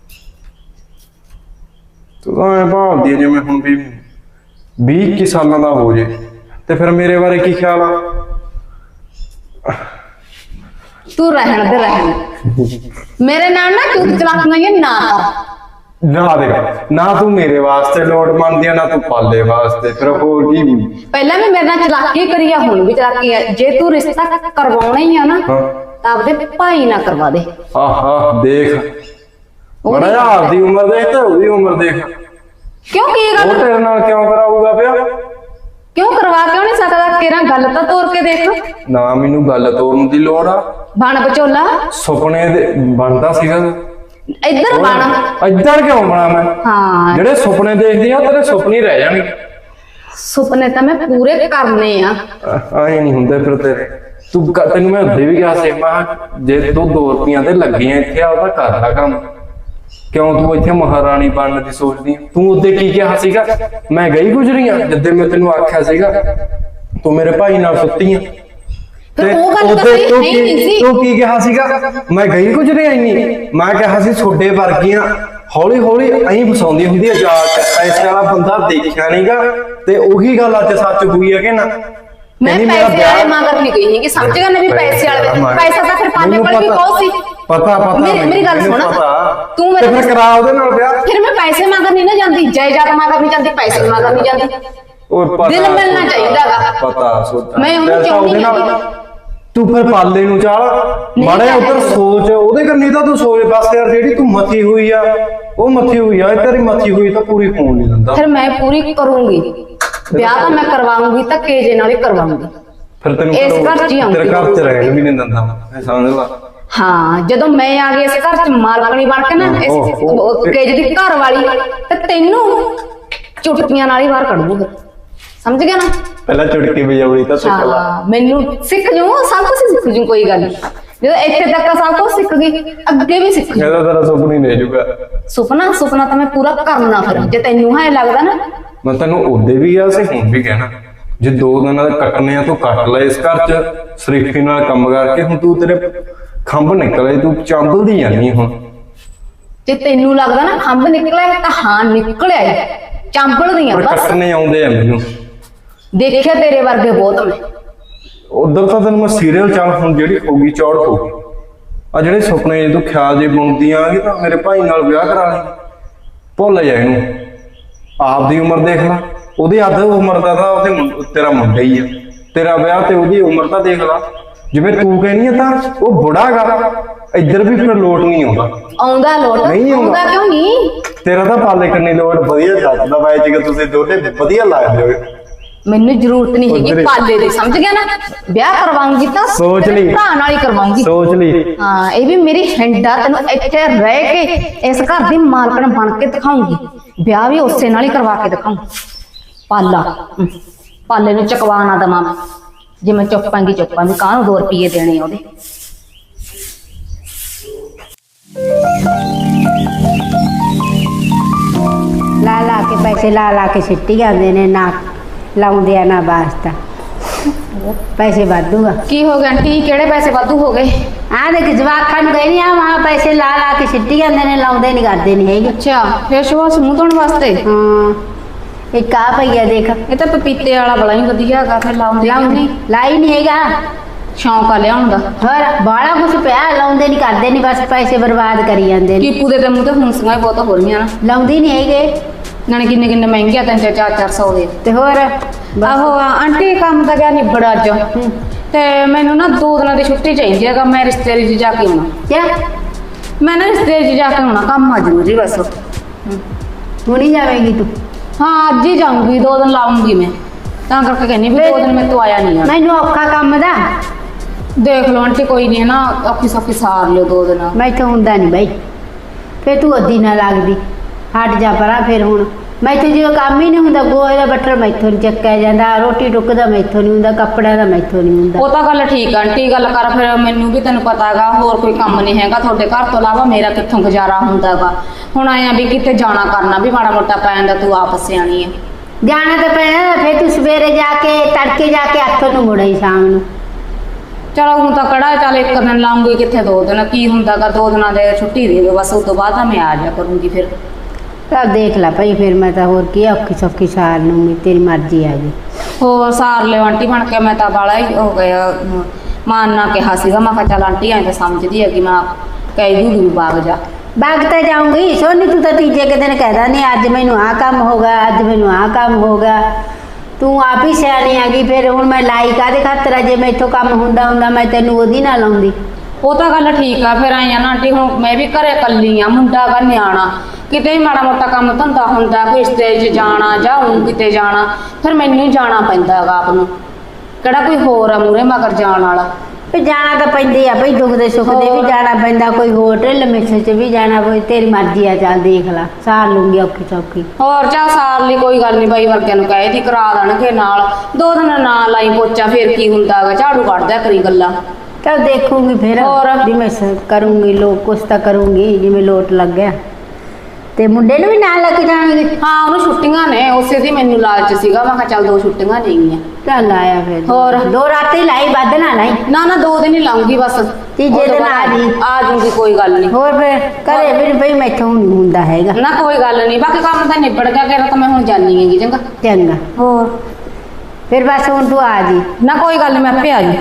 S5: ਤੂੰ ਤਾਂ ਐ ਭਾਲਦੀ ਜਿਵੇਂ ਹੁਣ ਵੀ ਵੀਹ ਇੱਕੀ ਸਾਲਾਂ ਦਾ ਹੋ ਜੇ, ਤੇ ਫਿਰ ਮੇਰੇ ਬਾਰੇ ਕੀ ਖਿਆਲ ਆ?
S1: ਤੂੰ ਰਹਿਣ ਦੇ, ਰਹਿਣ ਮੇਰੇ ਨਾਲ ਨਾ ਚੁੱਤ ਚਲਾਕੀਆਂ ਇਹ ਨਾ ਕਰ।
S5: ਨਾ ਦੇਖ, ਨਾ ਤੂੰ ਮੇਰੇ ਵਾਸਤੇ ਲੋੜ ਮੰਨਦੀ ਆ, ਨਾ ਤੂੰ ਪਾਲੇ ਵਾਸਤੇ, ਫਿਰ ਹੋਰ ਕੀ?
S1: ਪਹਿਲਾਂ ਵੀ ਮੇਰੇ ਨਾਲ ਚਲਾਕੀ ਕਰੀ ਆ, ਹੁਣ ਵੀ ਚਲਾਕੀ ਆ। ਜੇ ਤੂੰ ਰਿਸ਼ਤਾ ਕਰਵਾਉਣਾ ਹੀ ਆ ਨਾ,
S5: ਹਾਂ।
S1: ਤਾਂ ਆਪਦੇ ਭਾਈ ਨਾਲ ਕਰਵਾ ਦੇ।
S5: ਆਹਾ ਦੇਖ, ਬੜਾ ਜਿਹਾ ਆਪਦੀ ਉਮਰ ਦੇਖ ਤੇ ਉਹਦੀ ਉਮਰ ਦੇਖ,
S1: ਕਿਉਂ ਕੀ
S5: ਉਹ
S1: ਗੱਲ?
S5: ਤੇਰੇ ਨਾਲ ਕਿਉਂ ਕਰਾਊਗਾ ਪਿਆ?
S1: ਕਿਉਂ ਕਰਵਾ ਕਿਉਂ ਨਹੀਂ ਸਕਦਾ? ਤੇਰਾ ਗੱਲ ਤਾਂ ਤੋਰ ਕੇ ਦੇਖ।
S5: ਨਾ ਮੈਨੂੰ ਗੱਲ ਤੋੜਨ ਦੀ ਲੋੜ ਆ,
S1: ਬਣ ਵਿਚੋਲਾ,
S5: ਸੁਪਨੇ ਦੇ ਬਣਦਾ ਸੀਗਾ।
S1: ਇੱਧਰ ਬਣ।
S5: ਇੱਧਰ ਕਿਉਂ ਬਣਾ ਮੈਂ?
S1: ਹਾਂ
S5: ਜਿਹੜੇ ਸੁਪਨੇ ਦੇਖਦੀ ਆ ਤੇਰੇ ਸੁਪਨੇ ਰਹਿ ਜਾਣਗੇ।
S1: ਸੁਪਨੇ ਤਾਂ ਮੈਂ ਪੂਰੇ ਕਰਨੇ ਆ।
S5: ਆਏ ਨਹੀਂ ਹੁੰਦੇ ਫਿਰ ਤੇਰੇ। ਤੂੰ ਕ- ਤੈਨੂੰ ਮੈਂ ਉੱਦੇ ਵੀ ਕਿਹਾ ਸੀ, ਮੈਂ ਕਿਹਾ ਜੇ ਤੂੰ ਦੋ ਰੁਪਈਆਂ ਤੇ ਲੱਗੀਆਂ ਇੱਥੇ ਆ ਉਹਦਾ ਕਰ ਲੈ ਕੰਮ। ਕਿਉਂ ਤੂੰ ਇੱਥੇ ਮਹਾਰਾਣੀ ਬਣਨ ਦੀ ਸੋਚਦੀ ਆਂ? ਤੂੰ ਉਹਦੇ ਕੀ ਕਿਹਾ ਸੀਗਾ? ਮੈਂ ਗਈ ਗੁਜਰੀਆਂ ਜਿੱਦੇ ਮੈਂ ਤੈਨੂੰ ਆਖਿਆ ਸੀਗਾ ਤੂੰ ਮੇਰੇ ਭਾਈ ਨਾਲ ਸੁੱਤੀ ਆਂ।
S1: ਫਿਰ ਉਹ ਗੱਲ ਤਾਂ
S5: ਉਹਦੇ
S1: ਸਹੀ
S5: ਤੂੰ
S1: ਹੈ ਹੀ ਨਹੀਂ
S5: ਕੀ-
S1: ਸੀ।
S5: ਤੂੰ ਕੀ ਕਿਹਾ ਸੀਗਾ? ਮੈਂ ਗਈ ਗੁਜਰੀਆਂ ਇੰਨੀ। ਮੈਂ ਕਿਹਾ ਸੀ ਛੋਡੇ ਵਰਗੀਆਂ ਹੌਲੀ ਹੌਲੀ ਐਂ ਫਸਾਉਂਦੀ ਹੁੰਦੀ ਆ ਜਾਲ ਚ। ਪੈਸੇ ਵਾਲਾ ਬੰਦਾ ਦੇਖਿਆ ਨਹੀਂਗਾ ਤੇ ਉਹੀ ਗੱਲ ਅੱਜ ਸੱਚ ਹੋਈ ਹੈ ਕਿ ਨਾ?
S1: ਮੈਂ
S5: ਕਹਿੰਦੀ ਮੇਰਾ
S1: ਪੈਸੇ ਵਾਲੇ
S5: ਵਿਆਹ-
S1: ਮਗਰ ਨਹੀਂ ਗਈ ਹੈਗੀ, ਸਮਝ ਗਿਆ ਨਾ ਵੀ ਪੈਸੇ ਵਾਲੇ
S5: ਮੈਂ-
S1: ਪੈਸਾ ਤਾਂ ਫਿਰ ਪਾਲੇ
S5: ਮੈਨੂੰ
S1: ਕੋਲ ਵੀ
S5: ਪਤਾ-
S1: ਬਹੁਤ ਸੀ।
S5: ਪਤਾ ਪਤਾ
S1: ਮੇਰੀ ਮੇਰੀ ਗੱਲ
S5: ਮੈਨੂੰ
S1: ਸੁਣ,
S5: ਪਤਾ।
S1: ਤੂੰ
S5: ਤੇ
S1: ਮੇਰੇ
S5: ਫਿਰ ਕਰਾ ਉਹਦੇ ਨਾਲ ਵਿਆਹ।
S1: ਫਿਰ ਮੈਂ ਪੈਸੇ ਮਗਰ ਨਹੀਂ ਨਾ ਜਾਂਦੀ, ਜਾਇਦਾਦ ਮਗਰ ਨਹੀਂ ਜਾਂਦੀ, ਪੈਸੇ ਮਗਰ ਨਹੀਂ ਜਾਂਦੀ।
S5: ਉਹ ਪਤਾ
S1: ਦਿਲ ਮਿਲਣਾ
S5: ਸੋਚਾ,
S1: ਚਾਹੀਦਾਗਾ।
S5: ਪਤਾ ਸੋਚਾ
S1: ਮੈਂ ਉਹਨੂੰ
S5: ਫਿਰ ਤਾਂ
S1: ਚਾਹੁੰਦੀ
S5: ਉਹਦੇ ਨਾਲ-
S1: ਹੈਗੀ।
S5: ਤੂੰ ਫਿਰ ਪਾਲੇ ਨੂੰ ਚਾਲ
S1: ਨਹੀਂ
S5: ਮਾੜਾ
S1: ਚਾਹਿਆ
S5: ਉਧਰ ਸੋਚ, ਉਹਦੇ ਕੰਨੀ ਤਾਂ ਤੂੰ ਸੋਚ ਬਸ ਯਾਰ। ਜਿਹੜੀ ਤੂੰ ਮੱਥੀ ਹੋਈ ਆ ਉਹ ਮੱਥੀ ਹੋਈ ਆ, ਤੇਰੀ ਮੱਥੀ ਹੋਈ ਤਾਂ ਪੂਰੀ ਹੋਣ ਨਹੀਂ ਦਿੰਦਾ।
S1: ਫਿਰ ਮੈਂ ਪੂਰੀ ਕਰੂੰਗੀ ਵਿਆਹ ਤਾਂ ਮੈਂ ਕਰਵਾਉਂਗੀ, ਧੱਕੇ ਜੇ ਨਾਲ ਹੀ ਕਰਵਾਉਂਗੀ।
S5: ਫਿਰ ਤੈਨੂੰ
S1: ਇਸ
S5: ਘਰੋਂ-
S1: ਘਰ 'ਚ ਹੀ ਆਉਂਗੀ।
S5: ਤੇਰੇ ਘਰ ਚ ਰਹਿਣ ਵੀ ਨਹੀਂ ਦਿੰਦਾ ਮੈਂ, ਸਮਝ ਲਾ।
S1: ਹਾਂ ਜਦੋਂ ਮੈਂ ਆ ਗਈ ਇਸ ਘਰ 'ਚ ਮਾਲਕਣੀ ਬਣ ਕੇ ਨਾ ਇਸ
S5: ਓਹ, ਓਹ,
S1: ਕੇਜ ਦੀ ਘਰ ਵਾਲੀ, ਤੇ ਤੈਨੂੰ ਚੁਟਕੀਆਂ ਨਾਲ ਹੀ ਬਾਹਰ ਕੱਢ ਦੂੰਗਾ। ਸਮਝ ਗਿਆ ਨਾ?
S5: ਪਹਿਲਾਂ ਚੁਟਕੀ ਵਜਾਉਣੀ ਤਾਂ ਸਿੱਖ ਲਾ।
S1: ਹਾਂ ਮੈਨੂੰ ਸਿੱਖ ਜੂ, ਸਭ ਕੁਝ ਸਿੱਖ ਜੂ, ਕੋਈ ਗੱਲ ਨਹੀਂ। ਜਦੋਂ ਇੱਥੇ ਤੱਕ ਸਭ ਕੁਝ ਸਿੱਖ ਗਈ, ਅੱਗੇ ਵੀ ਸਿੱਖ ਜੂ।
S5: ਇਹਦਾ ਤੇਰਾ ਸੁਪਨਾ ਹੀ ਲੈ ਜਾਊਗਾ।
S1: ਸੁਪਨਾ ਸੁਪਨਾ ਤਾਂ ਮੈਂ ਪੂਰਾ ਕਰਨਾ। ਫਿਰ ਜੇ ਤੈਨੂੰ ਹਾਂ ਲੱਗਦਾ ਨਾ,
S5: ਮੈਂ ਤੈਨੂੰ ਉਹਦੇ ਵੀ ਆ ਸੀ ਹੁਣ ਵੀ ਕਹਿਣਾ, ਜੇ ਦੋ ਦਿਨਾਂ ਦੇ ਕੱਟਣੇ ਆ ਤੂੰ ਕੱਟ ਲੈ ਇਸ ਘਰ ਚ ਸ਼ਰੀਫੀ ਨਾਲ ਕੰਮ ਕਰਕੇ। ਹੁਣ ਤੂੰ ਤੇਰੇ ਖੰਭ ਨਿਕਲੇ, ਤੂੰ ਚੰਬਲਦੀ ਜਾਂਦੀ ਹੁਣ।
S1: ਜੇ ਤੈਨੂੰ ਲੱਗਦਾ ਨਾ ਖੰਭ ਨਿਕਲਿਆ ਤਾਂ ਹਾਂ ਨਿਕਲਿਆ ਹੀ, ਚਾਂਬਲਦੀਆਂ
S5: ਪਰ
S1: ਬਸ।
S5: ਕੱਟਣੇ ਆਉਂਦੇ ਆ ਮੈਨੂੰ।
S1: ਦੇਖਿਆ ਤੇਰੇ ਵਰਗੇ ਬਹੁਤ ਮੈਂ।
S5: ਉਧਰ ਤਾਂ ਤੈਨੂੰ ਮੈਂ ਸੀਰੀਅਲ ਚੱਲ ਹੁਣ ਜਿਹੜੀ ਹੋਗੀ ਚੌੜ ਹੋਗੀ। ਆ ਜਿਹੜੇ ਸੁਪਨੇ ਤੂੰ ਖਿਆਲ ਜੇ ਬੁਣਦੀ ਆਂਗੀ ਤਾਂ ਮੇਰੇ ਭਾਈ ਨਾਲ ਵਿਆਹ ਕਰਾ ਲਈ। ਭੁੱਲ ਜਾ ਇਹਨੂੰ। ਆਪਦੀ ਉਮਰ ਦੇਖ ਲੈ, ਉਹਦੀ ਅੱਧ ਉਮਰ ਦਾ ਤਾਂ ਉਹਦੇ ਮੁੰ- ਤੇਰਾ ਮੁੰਡਾ ਹੀ ਆ। ਤੇਰਾ ਵਿਆਹ ਤੇ ਉਹਦੀ ਉਮਰ ਤਾਂ ਦੇਖ ਲੈ। ਜਿਵੇਂ ਤੂੰ ਕਹਿੰਦੀ ਆ ਤਾਂ ਉਹ ਬੁੜਾ ਗਾ, ਇੱਧਰ ਵੀ ਫਿਰ ਲੋਟ ਨਹੀਂ ਆਉਂਦਾ।
S1: ਆਉਂਦਾ ਲੋਟ,
S5: ਨਹੀਂ ਆਉਂਦਾ।
S1: ਆਉਂਦਾ ਕਿਉਂ ਨਹੀਂ?
S5: ਤੇਰਾ ਤਾਂ ਪਾਲੇ ਕੰਨੀ ਲੋਟ ਵਧੀਆ ਜੱਜਦਾ ਬਾਈ ਜੀ ਕਿ ਤੁਸੀਂ ਦੋਨੇ ਵਧੀਆ ਲੱਗਦੇ ਹੋ।
S1: ਮੈਨੂੰ ਜ਼ਰੂਰਤ ਨਹੀਂ ਹੈਗੀ
S5: ਉੱਧਰ ਹੀ।
S1: ਪਾਲੇ ਦੀ, ਸਮਝ ਗਿਆ ਨਾ? ਵਿਆਹ ਕਰਵਾਉਂਗੀ ਤਾਂ
S5: ਸੋਚ
S1: ਤੇਰੇ
S5: ਲਈ।
S1: ਭਰਾ ਨਾਲ ਹੀ ਕਰਵਾਉਂਗੀ।
S5: ਸੋਚ ਲਈ।
S1: ਹਾਂ ਇਹ ਵੀ ਮੇਰੀ ਹਿੰਡਾ, ਤੈਨੂੰ ਇੱਥੇ ਰਹਿ ਕੇ ਇਸ ਘਰ ਦੀ ਮਾਲਕਣ ਬਣ ਕੇ ਦਿਖਾਉਂਗੀ। ਵਿਆਹ ਵੀ ਉਸੇ ਨਾਲ ਹੀ ਕਰਵਾ ਕੇ ਦਿਖਾਉਂ। ਪਾਲਾ ਹਮ, ਪਾਲੇ ਨੂੰ ਚਕਵਾ ਨਾ ਦਵਾਂ ਮੈਂ। ਜੇ ਮੈਂ ਚੁੱਪਾਂਗੀ ਚੁੱਪਾਂਗੀ, ਕਾਹਨੂੰ ਦੋ ਰੁਪਏ ਦੇਣੇ ਆ ਉਹਦੇ।
S3: ਲਾ ਲਾ ਕੇ ਪੈਸੇ ਲਾ ਲਾ ਕੇ ਸਿੱਟੀ ਜਾਂਦੇ ਨੇ, ਨਾ ਲਾਉਂਦੇ ਆ ਨਾ ਵਾਸਤਾ। ਪੈਸੇ ਵਾਧੂਗਾ।
S1: ਕੀ ਹੋ ਗਿਆ ਆਂਟੀ, ਕਿਹੜੇ ਪੈਸੇ ਵਾਧੂ ਹੋ ਗਏ?
S3: ਆ ਦੇਖ ਜਵਾਕਾਂ ਨੂੰ ਕਹਿੰਦੀ ਆ ਵਾਹ ਪੈਸੇ ਲਾ ਲਾ ਕੇ ਸਿੱਟੀ ਜਾਂਦੇ ਨੇ, ਲਾਉਂਦੇ ਨਹੀਂ ਕਰਦੇ ਨਹੀਂ ਹੈਗੇ।
S1: ਅੱਛਾ ਫੇਸ ਵਾਸ਼ ਮੂੰਹ ਧੋਣ ਵਾਸਤੇ।
S3: ਹਾਂ ਇੱਕ ਆ ਪਈਆ ਦੇਖ,
S1: ਇਹ ਤਾਂ ਪਪੀਤੇ ਵਾਲਾ ਬੜਾ ਹੀ ਵਧੀਆ ਹੈਗਾ, ਫਿਰ ਲਾਉਂਦੇ ਕਿਉਂ
S3: ਲਾਉਂਦੀ
S1: ਨਹੀਂ?
S3: ਲਾਈ ਨਹੀਂ ਹੈਗਾ।
S1: ਸ਼ੌਂਕ ਆ ਲਿਆਉਣ ਦਾ।
S3: ਹੋਰ ਬਾਲਾ ਕੁਛ ਪਿਆ, ਲਾਉਂਦੇ ਨਹੀਂ ਕਰਦੇ ਨਹੀਂ, ਬਸ ਪੈਸੇ ਬਰਬਾਦ ਕਰੀ ਜਾਂਦੇ ਨੇ।
S1: ਕੀਪੂ ਦੇ ਤੇ ਮੂੰਹ ਤੇ ਹੁੰਸੀਆਂ ਹੀ ਬਹੁਤ ਹੋ ਰਹੀਆਂ ਨਾ।
S3: ਲਾਉਂਦੀ ਨਹੀਂ ਹੈਗੇ।
S1: ਨਾਲੇ ਕਿੰਨੇ ਕਿੰਨੇ ਮਹਿੰਗੇ ਆ, ਤਿੰਨ ਚਾਰ ਚਾਰ ਚਾਰ ਸੌ ਦੇ।
S3: ਤੇ ਹੋਰ
S1: ਆਹੋ ਆਂਟੀ ਕੰਮ ਤਾਂ ਗਿਆ ਨਿਬੜ ਅੱਜ, ਤੇ ਮੈਨੂੰ ਨਾ ਦੋ ਦਿਨਾਂ ਦੀ ਛੁੱਟੀ ਚਾਹੀਦੀ ਹੈਗਾ। ਮੈਂ ਰਿਸ਼ਤੇਦਾਰੀ 'ਚ ਜਾ ਕੇ ਆਉਣਾ।
S3: ਕਿਆ
S1: ਮੈਂ ਨਾ ਰਿਸ਼ਤੇਦਾਰੀ 'ਚ ਜਾ ਕੇ ਆਉਣਾ, ਕੰਮ ਆ ਜ਼ਰੂਰੀ ਬਸ।
S3: ਹੁਣੀ ਜਾਵੇਂਗੀ ਤੂੰ?
S1: ਹਾਂ ਅੱਜ ਹੀ ਜਾਊਂਗੀ, ਦੋ ਦਿਨ ਲਾਉਂਗੀ ਮੈਂ, ਤਾਂ ਕਰਕੇ ਕਹਿੰਦੀ ਵੀ ਦੋ ਦਿਨ ਮੈਂ ਤੋਂ ਆਇਆ ਨਹੀਂ ਆ।
S3: ਮੈਨੂੰ ਔਖਾ ਕੰਮ ਦਾ,
S1: ਦੇਖ ਲਓ ਆਂਟੀ ਕੋਈ ਨਹੀਂ ਨਾ, ਔਖੀ ਸੌਖੀ ਸਾਰ ਲਿਓ ਦੋ ਦਿਨ।
S3: ਮੈਥੋਂ ਹੁੰਦਾ ਨਹੀਂ ਬਾਈ। ਫੇਰ ਤੂੰ ਅੱਧੀ ਨਾ ਲੱਗਦੀ, ਹਟ ਜਾ ਪਰਾਂ। ਫਿਰ ਹੁਣ ਮੈਥੋਂ ਜਦੋਂ ਕੰਮ ਹੀ ਨਹੀਂ ਹੁੰਦਾ, ਗੋਹੇ ਦਾ ਬੱਟਰ ਮੈਥੋਂ ਨਹੀਂ ਚੱਕਿਆ ਜਾਂਦਾ, ਰੋਟੀ ਟੁੱਕ ਦਾ ਮੈਥੋਂ ਨਹੀਂ ਹੁੰਦਾ, ਕੱਪੜਿਆਂ ਦਾ ਮੈਥੋਂ ਨਹੀਂ ਹੁੰਦਾ।
S1: ਉਹ ਤਾਂ ਗੱਲ ਠੀਕ ਆ ਆਂਟੀ, ਗੱਲ ਕਰ ਫਿਰ। ਮੈਨੂੰ ਵੀ ਤੈਨੂੰ ਪਤਾ ਹੈਗਾ ਹੋਰ ਕੋਈ ਕੰਮ ਨਹੀਂ ਹੈਗਾ ਤੁਹਾਡੇ ਘਰ ਤੋਂ ਇਲਾਵਾ, ਮੇਰਾ ਕਿੱਥੋਂ ਗੁਜ਼ਾਰਾ ਹੁੰਦਾਗਾ। ਹੁਣ ਆਇਆ ਵੀ ਕਿਤੇ ਜਾਣਾ ਕਰਨਾ ਵੀ ਮਾੜਾ ਮੋਟਾ ਪੈ ਜਾਂਦਾ, ਤੂੰ ਆਪ ਸਿਆਣੀ ਆ।
S3: ਜਾਣਾ ਤਾਂ ਪੈਣਾ, ਫਿਰ ਤੂੰ ਸਵੇਰੇ ਜਾ ਕੇ ਤੜਕੇ ਜਾ ਕੇ ਅੱਠ ਨੂੰ ਮੁੜਾਈ ਸ਼ਾਮ ਨੂੰ।
S1: ਚਲੋ ਹੁਣ ਤਾਂ ਕਿਹੜਾ, ਚੱਲ ਇੱਕ ਦਿਨ ਲਾਉਂਗੀ, ਕਿੱਥੇ ਦੋ ਦਿਨ, ਕੀ ਹੁੰਦਾਗਾ ਦੋ ਦਿਨਾਂ ਦੇ ਛੁੱਟੀ ਦੇ ਦਿਓ ਬਸ, ਉਸ ਤੋਂ ਬਾਅਦ ਤਾਂ ਮੈਂ ਆ ਜਾ ਕਰੂੰਗੀ ਫਿਰ।
S3: ਚੱਲ ਦੇਖ ਲੈ ਭਾਈ, ਫਿਰ ਮੈਂ ਤਾਂ ਹੋਰ ਕੀ ਆ, ਔਖੀ ਸੌਖੀ ਸਾਰ ਨੂੰ ਤੇਰੀ ਮਰਜ਼ੀ ਆ ਗਈ।
S1: ਹੋਰ ਸਾਰ ਲਿਓ ਆਂਟੀ ਬਣ ਕੇ। ਮੈਂ ਤਾਂ ਬਾਲਾ ਹੀ ਹੋ ਗਿਆ, ਮਾਂ ਨਾ ਕਿਹਾ ਸੀਗਾ, ਮੈਂ ਕਿਹਾ ਚੱਲ ਆਂਟੀ ਐਂ ਤਾਂ ਸਮਝਦੀ ਹੈਗੀ, ਮੈਂ ਕਹਿ ਦੂੰਗੀ ਵੀ ਬਾਗ ਜਾ।
S3: ਬਾਗ ਤਾਂ ਜਾਊਂਗੀ ਸੋਨੀ, ਤੂੰ ਤਾਂ ਤੀਜੇ ਕੁ ਦਿਨ ਕਹਿਦਾ ਨਹੀਂ ਅੱਜ ਮੈਨੂੰ ਆਹ ਕੰਮ ਹੋਗਾ, ਅੱਜ ਮੈਨੂੰ ਆਹ ਕੰਮ ਹੋਗਾ। ਤੂੰ ਆਪ ਹੀ ਸਿਆਣੀ ਆ ਗਈ। ਫਿਰ ਹੁਣ ਮੈਂ ਲਾਈ ਕਾਹਦੇ ਖਾਤਰ ਆ? ਜੇ ਮੈਥੋਂ ਕੰਮ ਹੁੰਦਾ ਹੁੰਦਾ ਮੈਂ ਤੈਨੂੰ ਉਹਦੀ ਨਾਲ ਲਾਉਂਦੀ।
S1: ਉਹ ਤਾਂ ਗੱਲ ਠੀਕ ਆ। ਫਿਰ ਆਈਆਂ ਨਾ ਆਂਟੀ, ਹੁਣ ਮੈਂ ਵੀ ਘਰੇ ਇਕੱਲੀ ਆ, ਮੁੰਡਾ ਗਾ ਨਿਆਣਾ, ਕਿਤੇ ਵੀ ਮਾੜਾ ਮੋਟਾ ਕੰਮ ਧੰਦਾ ਹੁੰਦਾ, ਕੋਈ ਸਟੇਜ 'ਚ ਜਾਣਾ ਜਾਂ ਹੁਣ ਕਿਤੇ ਜਾਣਾ, ਫਿਰ ਮੈਨੂੰ ਹੀ ਜਾਣਾ ਪੈਂਦਾ ਹੈਗਾ ਆਪ ਨੂੰ। ਕਿਹੜਾ ਕੋਈ ਹੋਰ ਆ ਮੂਹਰੇ ਮਗਰ ਜਾਣ ਵਾਲਾ।
S3: ਵੀ ਜਾਣਾ ਤਾਂ ਪੈਂਦੀ ਆ ਭਈ ਦੁੱਖ ਦੇ ਸੁੱਖ ਦੇ ਵੀ ਜਾਣਾ ਪੈਂਦਾ, ਕੋਈ ਹੋਟਲ ਮਿੱਥੇ ਚ ਵੀ ਜਾਣਾ ਪਈ, ਤੇਰੀ ਮਰਜ਼ੀ ਆ, ਚੱਲ ਦੇਖ ਲਾ ਸਾਰ ਲੂੰਗੀ ਔਖੀ ਸੌਖੀ।
S1: ਹੋਰ ਚਾ ਸਾਰ ਲਈ ਕੋਈ ਗੱਲ ਨਹੀਂ ਬਾਈ ਵਰਗਿਆਂ ਨੂੰ ਕਹੇ ਦੀ ਕਰਾ ਦੇਣਗੇ ਨਾਲ, ਦੋ ਦਿਨ ਨਾ ਲਾਈ ਪੋਚਾ ਫੇਰ ਕੀ ਹੁੰਦਾ ਗਾ, ਝਾੜੂ ਕੱਢਦਿਆ ਕਰੀ ਗੱਲਾਂ।
S3: ਚੱਲ ਦੇਖੂੰਗੀ ਫਿਰ
S1: ਹੋਰ?
S3: ਜਿਵੇਂ ਸ- ਕਰੂੰਗੀ ਲੋਕ ਕੁਛ ਤਾਂ ਕਰੂੰਗੀ ਜਿਵੇਂ ਲੋਟ ਲੱਗ ਗਿਆ। ਤੇ ਮੁੰਡੇ ਨੂੰ ਵੀ ਨਾਲ ਲੈ ਕੇ ਜਾਣਗੇ?
S1: ਹਾਂ ਉਹਨੂੰ ਛੁੱਟੀਆਂ ਨੇ, ਉਸੇ ਦੀ ਮੈਨੂੰ ਲਾਲਚ ਸੀਗਾ, ਮੈਂ ਕਿਹਾ ਚੱਲ ਦੋ ਛੁੱਟੀਆਂ ਨੇਗੀਆਂ।
S3: ਚੱਲ ਆਇਆ ਫਿਰ
S1: ਹੋਰ?
S3: ਦੋ ਰਾਤੀ ਲਾਈ ਵੱਧ ਨਾ ਲਾਈ।
S1: ਨਾ ਨਾ ਦੋ ਦਿਨ ਹੀ ਲਾਉਂਗੀ ਬਸ,
S3: ਤੀਜੇ
S1: ਉਹ ਤੋਂ
S3: ਦਿਨ
S1: ਬਾਅਦ
S3: ਆ ਜੀ।
S1: ਆ ਜੂਗੀ ਕੋਈ ਗੱਲ ਨਹੀਂ।
S3: ਹੋਰ ਫਿਰ ਘਰੇ ਵੀ ਬਈ ਮੈਥੋਂ ਨਹੀਂ ਹੁੰਦਾ ਹੈਗਾ।
S1: ਨਾ ਕੋਈ ਗੱਲ ਨਹੀਂ, ਬਾਕੀ ਕੰਮ ਤਾਂ ਨਿਬੜ ਗਿਆ, ਕਿਹੜਾ ਤਾਂ ਮੈਂ ਹੁਣ ਜਾਣੀ ਹੈਗੀ ਚੰਗਾ।
S3: ਚੰਗਾ
S1: ਹੋਰ
S3: ਫਿਰ ਬਸ ਹੁਣ ਤੂੰ ਆ ਜੀ।
S1: ਨਾ ਕੋਈ ਗੱਲ ਨੀ, ਮੈਂ ਆਪੇ ਆ ਜੂ।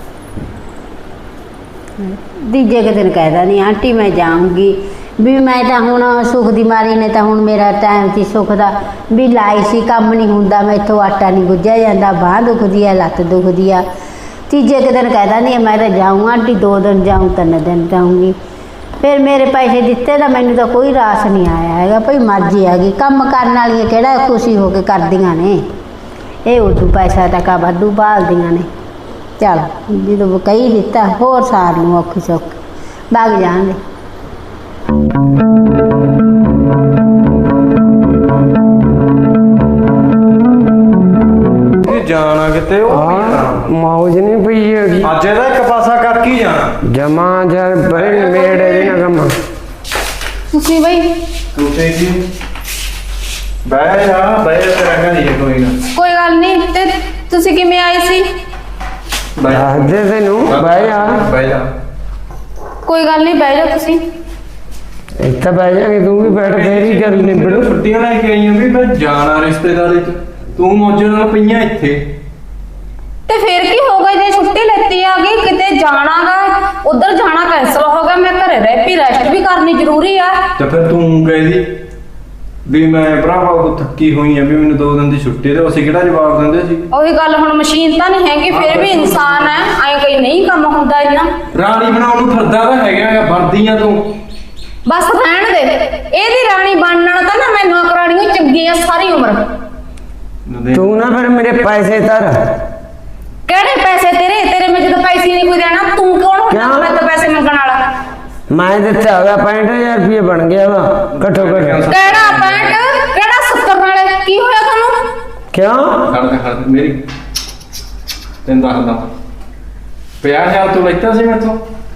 S3: ਤੀਜੇ ਕੁ ਦਿਨ ਕਹਿਦਾ ਨਹੀਂ ਆਂਟੀ ਮੈਂ ਜਾਊਂਗੀ, ਵੀ ਮੈਂ ਤਾਂ ਹੁਣ ਸੁੱਖ ਦੀ ਮਾਰੀ ਨੇ ਤਾਂ ਹੁਣ ਮੇਰਾ ਟਾਈਮ ਸੀ ਸੁੱਖ ਦਾ ਵੀ ਲਾਈ ਸੀ, ਕੰਮ ਨਹੀਂ ਹੁੰਦਾ, ਮੈਥੋਂ ਆਟਾ ਨਹੀਂ ਗੁੱਝਿਆ ਜਾਂਦਾ, ਬਾਂਹ ਦੁਖਦੀ ਆ, ਲੱਤ ਦੁਖਦੀ ਆ। ਤੀਜੇ ਕੁ ਦਿਨ ਕਹਿਦਾ ਨਹੀਂ ਮੈਂ ਤਾਂ ਜਾਊਂ ਆਂਟੀ, ਦੋ ਦਿਨ ਜਾਊਂ ਤਿੰਨ ਦਿਨ ਜਾਊਂਗੀ। ਫਿਰ ਮੇਰੇ ਪੈਸੇ ਦਿੱਤੇ ਤਾਂ ਮੈਨੂੰ ਤਾਂ ਕੋਈ ਰਾਸ ਨਹੀਂ ਆਇਆ ਹੈਗਾ, ਭਈ ਮਰਜ਼ੀ ਆ ਗਈ, ਕੰਮ ਕਰਨ ਵਾਲੀਆਂ ਕਿਹੜਾ ਖੁਸ਼ੀ ਹੋ ਕੇ ਕਰਦੀਆਂ ਨੇ, ਇਹ ਉਦੋਂ ਪੈਸਾ ਤਾਂ ਕਾ ਵਾਧੂ ਭਾਲਦੀਆਂ ਨੇ। ਚੱਲ ਜਦੋਂ ਕਹੀ ਦਿੱਤਾ ਹੋਰ ਸਾਰ ਨੂੰ ਔਖੀ ਸੌਖੀ ਵਗ ਜਾਣਗੇ।
S5: ਇਹ ਜਾਣਾ ਕਿਤੇ ਉਹ
S2: ਹਾਂ ਮੌਜ ਨਹੀਂ ਪਈ ਹੈਗੀ,
S5: ਅੱਜ ਇਹਦਾ ਇੱਕ ਪਾਸਾ ਕਰ ਕੀ ਜਾਣਾ।
S2: ਜਮਾ ਜਰ ਬਰੇ ਮੇੜੇ ਦੇ ਨਾ ਕੰਮ।
S1: ਤੁਸੀਂ ਬਈ
S5: ਤੂੰ ਤੇ ਕੀ ਬਹਿ ਜਾ, ਬਹਿ ਜਾ, ਤੇਰਾ ਘਰ ਹੀ ਹੈ, ਕੋਈ ਨਾ
S1: ਕੋਈ ਗੱਲ ਨਹੀਂ। ਤੇ ਤੁਸੀਂ ਕਿਵੇਂ ਆਏ ਸੀ?
S5: ਬਹਿ ਜਾ।
S2: ਦੱਸ ਦੇ ਤੈਨੂੰ ਬਹਿ ਜਾ,
S5: ਬਹਿ ਜਾ।
S1: ਕੋਈ ਗੱਲ ਨਹੀਂ, ਬਹਿ ਜਾਓ ਤੁਸੀਂ।
S2: ਇੱਥੇ ਬਹਿ ਜਾਗੇ, ਤੂੰ ਵੀ ਬੈਠ ਤੇਰੀ ਗੱਲ ਨਿਬੜੂ।
S5: ਛੁੱਟੀਆਂ ਲੈ ਕੇ ਆਈਆਂ ਵੀ ਮੈਂ ਜਾਣਾ ਰਿਸ਼ਤੇਦਾਰੀ ਚ, ਤੂੰ ਮੌਜਾਂ ਨਾਲ ਪਈਆਂ ਇੱਥੇ।
S1: ਤੇ ਫੇਰ ਕੀ ਹੋ ਗਿਆ ਜੇ ਛੁੱਟੀ ਲੈਤੀ ਆ ਗਈ, ਕਿਤੇ ਜਾਣਾਗਾ, ਉਧਰ ਜਾਣਾ ਕੈਂਸਲ ਹੋ ਗਿਆ, ਮੈਂ ਘਰੇ ਰਹਿ ਪਈ, ਰੈਸਟ ਵੀ ਕਰਨੀ ਜ਼ਰੂਰੀ ਆ।
S5: ਤੇ ਫਿਰ ਤੂੰ ਕਹਿੰਦੀ ਵੀ ਮੈਂ ਭਰਾਵਾ ਉਹ ਥੱਕੀ ਹੋਈ ਆ, ਵੀ ਮੈਨੂੰ ਦੋ ਦਿਨ ਦੀ ਛੁੱਟੀ ਤੇ ਅਸੀਂ ਕਿਹੜਾ ਜਵਾਬ ਦਿੰਦੇ ਸੀ।
S1: ਉਹੀ ਗੱਲ, ਹੁਣ ਮਸ਼ੀਨ ਤਾਂ ਨਹੀਂ ਹੈਗੀ, ਫਿਰ ਵੀ ਇਨਸਾਨ ਹੈ, ਐਂ ਕਈ ਨਹੀਂ ਕੰਮ ਹੁੰਦਾ ਇੰਨਾ।
S5: ਰਾਣੀ ਬਣਾਉਣ ਨੂੰ ਫਿਰਦਾ ਤਾਂ ਹੈਗਾ, ਵਰਦੀਆਂ ਤੂੰ
S1: ਬਸ ਰਹਿਣ ਦੇ, ਇਹਦੀ ਰਾਣੀ ਬਣਨ ਤਾਂ ਨਾ ਮੈਂ ਨੌਕਰਾਣੀਆਂ ਚੰਗੀਆਂ ਸਾਰੀ ਉਮਰ।
S2: ਤੂੰ ਨਾ ਫਿਰ ਮੇਰੇ ਪੈਸੇ ਧਰ।
S1: ਕਿਹੜੇ ਪੈਸੇ ਤੇਰੇ ਤੇਰੇ ਮੈਂ ਜਦੋਂ ਪੈਸੇ ਨਹੀਂ ਕੋਈ ਦੇਣਾ, ਤੂੰ ਕੌਣ ਹੁੰਦਾ
S2: ਕਿਉਂ?
S1: ਮੈਂ ਤਾਂ ਪੈਸੇ ਮੰਗਣ ਵਾਲਾ?
S2: ਮੈਂ ਦਿੱਤਾ ਹੋਗਾ ਪੈਂਹਠ ਹਜ਼ਾਰ ਰੁਪਏ ਬਣ ਗਿਆ ਵਾ ਘੱਟੋ ਘੱਟ।
S1: ਕਿਹੜਾ ਪੈਂਟ, ਕਿਹੜਾ ਸੱਤਰ ਨਾਲੇ, ਕੀ ਹੋਇਆ ਤੁਹਾਨੂੰ?
S2: ਕਿਉਂ?
S5: ਖੜ ਖੜ ਮੇਰੀ ਤੈਨੂੰ ਦੱਸਦਾ, ਪੰਜਾਹ ਹਜ਼ਾਰ ਤੂੰ ਲੈਤਾ ਸੀ ਮੈਥੋਂ,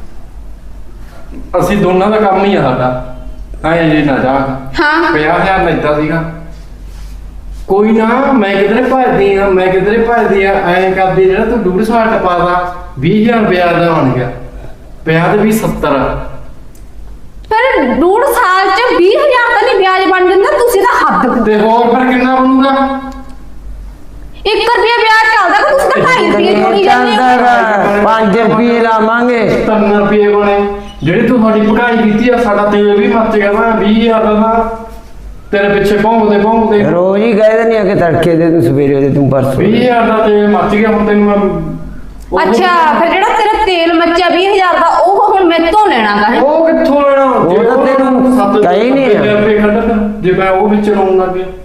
S5: ਅਸੀਂ ਦੋਨਾਂ ਦਾ ਕੰਮ ਹੀ ਆ ਸਾਡਾ, ਐਂ ਜੇ ਨਾ ਜਾ।
S1: ਹਾਂ
S5: ਪੰਜਾਹ ਹਜ਼ਾਰ ਲੈਤਾ ਸੀਗਾ, ਕੋਈ ਨਾ ਮੈਂ ਕਿਧਰੇ ਭਜਦੀ ਆ, ਮੈਂ ਕਿਧਰੇ ਭਜਦੀ ਆ, ਐਂ ਕਰਦੀ ਜਿਹੜਾ ਤੂੰ ਡੂਢ ਸਾਲ ਟਪਾਦਾ ਵੀਹ ਹਜ਼ਾਰ ਵਿਆਜ ਦਾ ਬਣ ਗਿਆ, ਵਿਆਜ ਵੀ ਸੱਤਰ।
S1: ਫਿਰ ਡੂਢ ਸਾਲ ਚ ਵੀਹ ਹਜ਼ਾਰ ਤਾਂ ਨਹੀਂ ਵਿਆਜ ਬਣ ਜਾਂਦਾ, ਤੁਸੀਂ ਤਾਂ ਹੱਦ।
S5: ਤੇ ਹੋਰ ਫਿਰ ਕਿੰਨਾ ਬਣੂਗਾ?
S1: ਇੱਕ ਰੁਪਿਆ ਵਿਆਜ ਚੱਲਦਾ ਕਿ ਤੁਸੀਂ ਤਾਂ ਢਾਈ ਰੁਪਏ ਜੋੜੀ ਜਾਂਦੇ ਹੋ।
S2: ਚੱਲਦਾ ਪੰਜ ਰੁਪਏ ਲਾਵਾਂਗੇ।
S5: ਤਿੰਨ ਰੁਪਏ ਬਣੇ, ਜਿਹੜੀ ਤੂੰ ਸਾਡੀ ਭਗਾਈ ਕੀਤੀ ਆ, ਸਾਡਾ ਤੇਲ ਵੀ ਮੱਚ ਗਿਆ ਨਾ, ਵੀਹ ਹਜ਼ਾਰ ਦਾ ਨਾ ਤੇਰੇ ਪਿੱਛੇ ਭੌਂਕਦੇ ਭੌਂਕਦੇ
S2: ਰੋਜ਼ ਹੀ ਕਹਿ ਦਿੰਦੀ ਆ ਕਿ ਤੜਕੇ ਦੇ ਤੂੰ ਸਵੇਰੇ ਦੇ ਤੂੰ ਪਰਸੋਂ
S5: ਵੀਹ ਹਜ਼ਾਰ ਦਾ ਤੇਲ ਮੱਚ ਗਿਆ। ਹੁਣ ਤੈਨੂੰ ਮੈਂ
S1: ਅੱਛਾ ਫਿਰ ਜਿਹੜਾ ਤੇਰਾ ਤੇਲ ਮੱਚਿਆ ਵੀਹ ਹਜ਼ਾਰ ਦਾ, ਉਹ ਹੁਣ ਮੈਥੋਂ ਲੈਣਾਗਾ ਹੈ?
S5: ਉਹ ਕਿੱਥੋਂ ਲੈਣਾ?
S2: ਉਹ
S5: ਜੇ
S2: ਤਾਂ ਤੈਨੂੰ
S5: ਸੱਤ
S2: ਕਹੀ ਨਹੀਂ ਆ।
S5: ਸੱਤ ਰੁਪਏ ਕੱਢ ਤਾ, ਜੇ ਮੈਂ ਉਹ ਵਿੱਚ ਲਾਉਣ ਲੱਗ ਗਿਆ,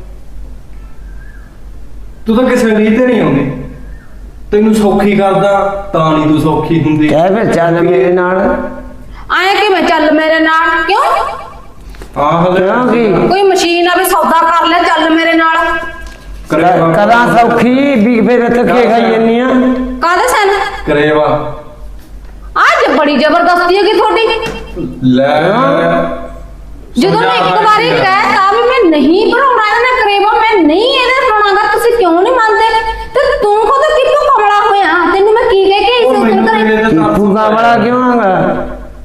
S5: ਤੂੰ ਤਾਂ ਕਿਸੇ ਰੀਤ ਤੇ ਨਹੀਂ ਆਉਂਦੀ। ਤੈਨੂੰ ਸੌਖੀ ਕਰਦਾ ਤਾਂ ਨਹੀਂ ਤੂੰ ਸੌਖੀ ਹੁੰਦੀ।
S2: ਕਹਿ ਫਿਰ ਚੱਲ ਮੇਰੇ ਨਾਲ।
S1: ਆਏ ਕਿ ਮੈਂ ਚੱਲ ਮੇਰੇ ਨਾਲ, ਕਿਉਂ?
S5: ਹਾਂ ਹਲੇ
S2: ਕਿਉਂ ਕੀ?
S1: ਕੋਈ ਮਸ਼ੀਨ ਆਵੇ ਸੌਦਾ ਕਰ ਲੈ, ਚੱਲ ਮੇਰੇ ਨਾਲ।
S5: ਕਰੇਵਾ
S2: ਕਦਾਂ ਸੌਖੀ ਵੀ ਫਿਰ ਇੱਥੇ ਕੀ ਖਾਈ ਜੰਨੀ ਆ।
S1: ਕਾਹਦੇ ਸਨ?
S5: ਕਰੇਵਾ
S1: ਅੱਜ ਬੜੀ ਜ਼ਬਰਦਸਤੀ ਹੈਗੀ ਤੁਹਾਡੀ।
S5: ਲੈ
S1: ਜਦੋਂ ਮੈਂ ਇੱਕ ਵਾਰੀ ਕਹਿਤਾ ਵੀ ਮੈਂ ਨਹੀਂ ਬਣਾਉਣਾ ਇਹਦੇ ਨਾਲ ਕਰੇਵਾ, ਮੈਂ ਨਹੀਂ ਇਹਦੇ ਬਣਾਉਣਾਗਾ, ਤੁਸੀਂ ਕਿਉਂ ਨਹੀਂ ਮੰਨਦੇ? ਤੇ ਤੂੰ ਕਦੋਂ ਕਿੱਥੋਂ ਕਮਲਾ ਹੋਇਆ? ਤੈਨੂੰ ਮੈਂ ਕੀ ਕਹਿ ਕੇ
S5: ਉਹ
S1: ਇਸ
S5: ਮੈਨੂੰ
S1: ਉੱਤਰ
S5: ਤੇਰੇ
S1: ਕਰੇ?
S5: ਤੇ ਤਰਸ
S2: ਤੂੰ ਵਾਲਾ ਕਿਉਂ ਆਗਾ?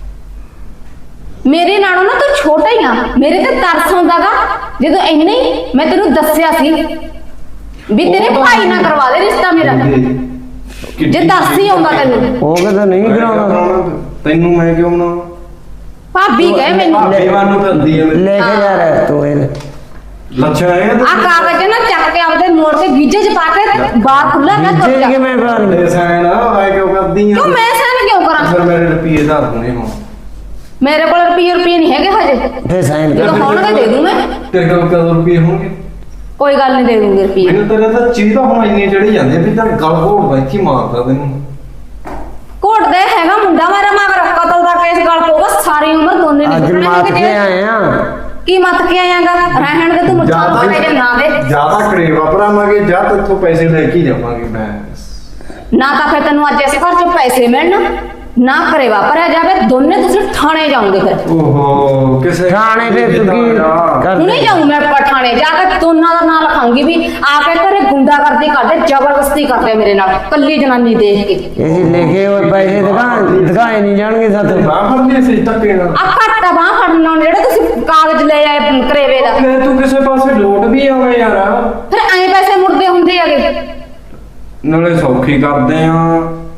S1: ਮੇਰੇ ਨਾਲੋਂ ਨਾ ਤੂੰ ਛੋਟਾ ਹੀ ਆ, ਮੇਰੇ ਤੇ ਤਰਸ ਆਉਂਦਾਗਾ ਜਦੋਂ ਇੰਨੇ ਹੀ ਮੈਂ ਤੈਨੂੰ ਦੱਸਿਆ ਸੀ ਵੀ ਤੇਰੇ ਭਾਈ ਨਾਲ ਕਰਵਾ ਦੇ ਰਿਸ਼ਤਾ ਮੇਰਾ। ਜੇ ਦੱਸ ਹੀ ਆਉਂਦਾ ਤੈਨੂੰ।
S2: ਉਹ ਕਹਿੰਦਾ ਨਹੀਂ ਕਰਾਉਣਾ।
S5: ਤੈਨੂੰ ਮੈਂ ਕਿਉਂ ਬਣਾਉਣਾ?
S1: ਭਾਬੀ ਕਹੇ ਮੈਨੂੰ
S5: ਭਾਬੀ ਵਾਂਗੂ ਫਿਰਦੀ ਐ
S2: ਲੈ ਕੇ ਜਾ ਰਿਹਾ ਤੂੰ ਇਹ
S5: ਲੱਛਣ ਹੈ
S1: ਆ ਕਾਗਜ਼ ਨਾ ਚੱਕ ਕੇ ਆਪਦੇ ਮੋੜ ਤੇ ਗੀਜੇ ਚ ਪਾ ਕੇ ਤੇ ਬਾਹਰ ਖੁੱਲਾ ਨਾ ਤੁਰ
S2: ਜੇ
S1: ਜਾ।
S2: ਕਿਵੇਂ ਬਣ
S5: ਤੇ ਸੈਨ ਆਏ ਕਿਉਂ ਕਰਦੀ ਆ?
S1: ਕਿਉਂ ਮੈਂ ਸਹਿਣ ਕਿਉਂ ਕਰਾਂ?
S5: ਫਿਰ ਮੇਰੇ ਰੁਪਏ ਧਰ ਦੂੰਗੇ ਹੁਣ।
S1: ਮੇਰੇ ਕੋਲ ਰੁਪਏ ਰੁਪਏ ਨਹੀਂ ਹੈਗੇ ਹਜੇ,
S2: ਫੇ ਸਾਈਨ
S1: ਜਦੋਂ
S2: ਕਰ।
S1: ਹੋਣਗੇ ਦੇ ਦੂੰ ਮੈਂ।
S5: ਤੇਰੇ ਕੋਲ ਕਦੋਂ ਰੁਪਏ ਹੋਣਗੇ?
S1: ਕੋਈ ਗੱਲ ਨਹੀਂ, ਦੇ ਦੂੰਗੀ ਰੁਪਏ।
S5: ਮੈਨੂੰ ਤੇਰੇ ਤਾਂ ਚੀਜ਼ ਤਾਂ ਹੁਣ ਇੰਨੀ ਚੜੀ ਜਾਂਦੀ ਆ ਵੀ ਤਾਂ ਗਲ ਘੋੜਦਾ ਇੱਥੇ ਮਾਰਦਾ ਤੈਨੂੰ।
S1: ਘੋਟ ਦੇ ਨਾ ਮੁੰਡਾ ਮੇਰਾ ਮਗਰ ਕਤਲ ਦਾ ਕੇਸ ਗਲ ਪਊਗਾ ਸਾਰੀ ਉਮਰ ਦੋਨੇ
S2: ਅੱਜ
S1: ਨਿਕਲਣੇ
S2: ਮਾਤ
S1: ਕਿਤੇ।
S2: ਕੇ ਆਏ ਆ
S1: ਕੀ ਮੱਤ ਕੇ ਆਇਆਗਾ ਰਹਿਣ ਦੇ ਤੂੰ ਮੁੱਛਾਂ ਪਾੜੇ ਦੇ ਨਾ ਦੇ
S5: ਜਿਆਦਾ ਕਰੇਵਾ ਭਰਾਵਾਂਗੇ ਜਾਂ ਤੇਥੋਂ ਪੈਸੇ ਲੈ ਕੇ ਹੀ ਜਾਵਾਂਗੇ ਮੈਂ
S1: ਨਾ ਤਾਂ ਫਿਰ ਤੈਨੂੰ ਅੱਜ ਇਸ ਘਰ ਚੋਂ ਪੈਸੇ ਮਿਲਣ ਨਾ ਕਰੇ ਵਾਪਰਿਆ ਜਾਵੇ ਦੋਨੇ ਤੁਸੀਂ ਥਾਣੇ ਜਾਓਗੇ ਫਿਰ
S5: ਓਹੋ ਕਿਸੇ
S2: ਥਾਣੇ ਤੇ ਤੂੰ ਕੀ ਕਰ
S1: ਹੁਣੇ ਜਾਊਂ ਮੈਂ ਪਠਾਣੇ ਜਾ ਕੇ ਦੋਨਾਂ ਦਾ ਨਾਂ ਲਿਖਾਉਂਗੀ ਵੀ ਆ ਕੇ ਘਰੇ ਗੁੰਡਾਗਰਦੀ ਕਰਦੇ ਜ਼ਬਰਦਸਤੀ ਕਰਦੇ ਮੇਰੇ ਨਾਲ ਕੱਲੀ ਜਨਾਨੀ ਦੇਖ ਕੇ
S2: ਇਹ ਲਿਖੇ ਹੋਏ ਪੈਸੇ ਦਿਖਾਣ ਦਿਖਾਏ ਨਹੀਂ ਜਾਣਗੇ ਸਾਥੋਂ
S5: ਬਾਹ ਫੜਨੀ ਸੀ ਧੱਕੇ ਨਾਲ
S1: ਆ ਘੱਟਾ ਬਾਹ ਫੜਨ ਨਾਲ ਜਿਹੜੇ ਤੁਸੀਂ ਕਾਗਜ਼ ਲੈ ਆਏ ਕਰੇਵੇ ਦਾ
S5: ਫਿਰ ਤੂੰ ਕਿਸੇ ਪਾਸੇ ਲੋਟ ਵੀ ਆਵੇਂ ਯਾਰ
S1: ਫਿਰ ਐਂ ਪੈਸੇ ਮੁੜਦੇ ਹੁੰਦੇ ਹੈਗੇ
S5: ਨਾਲੇ ਸੌਖੀ ਕਰਦੇ ਆ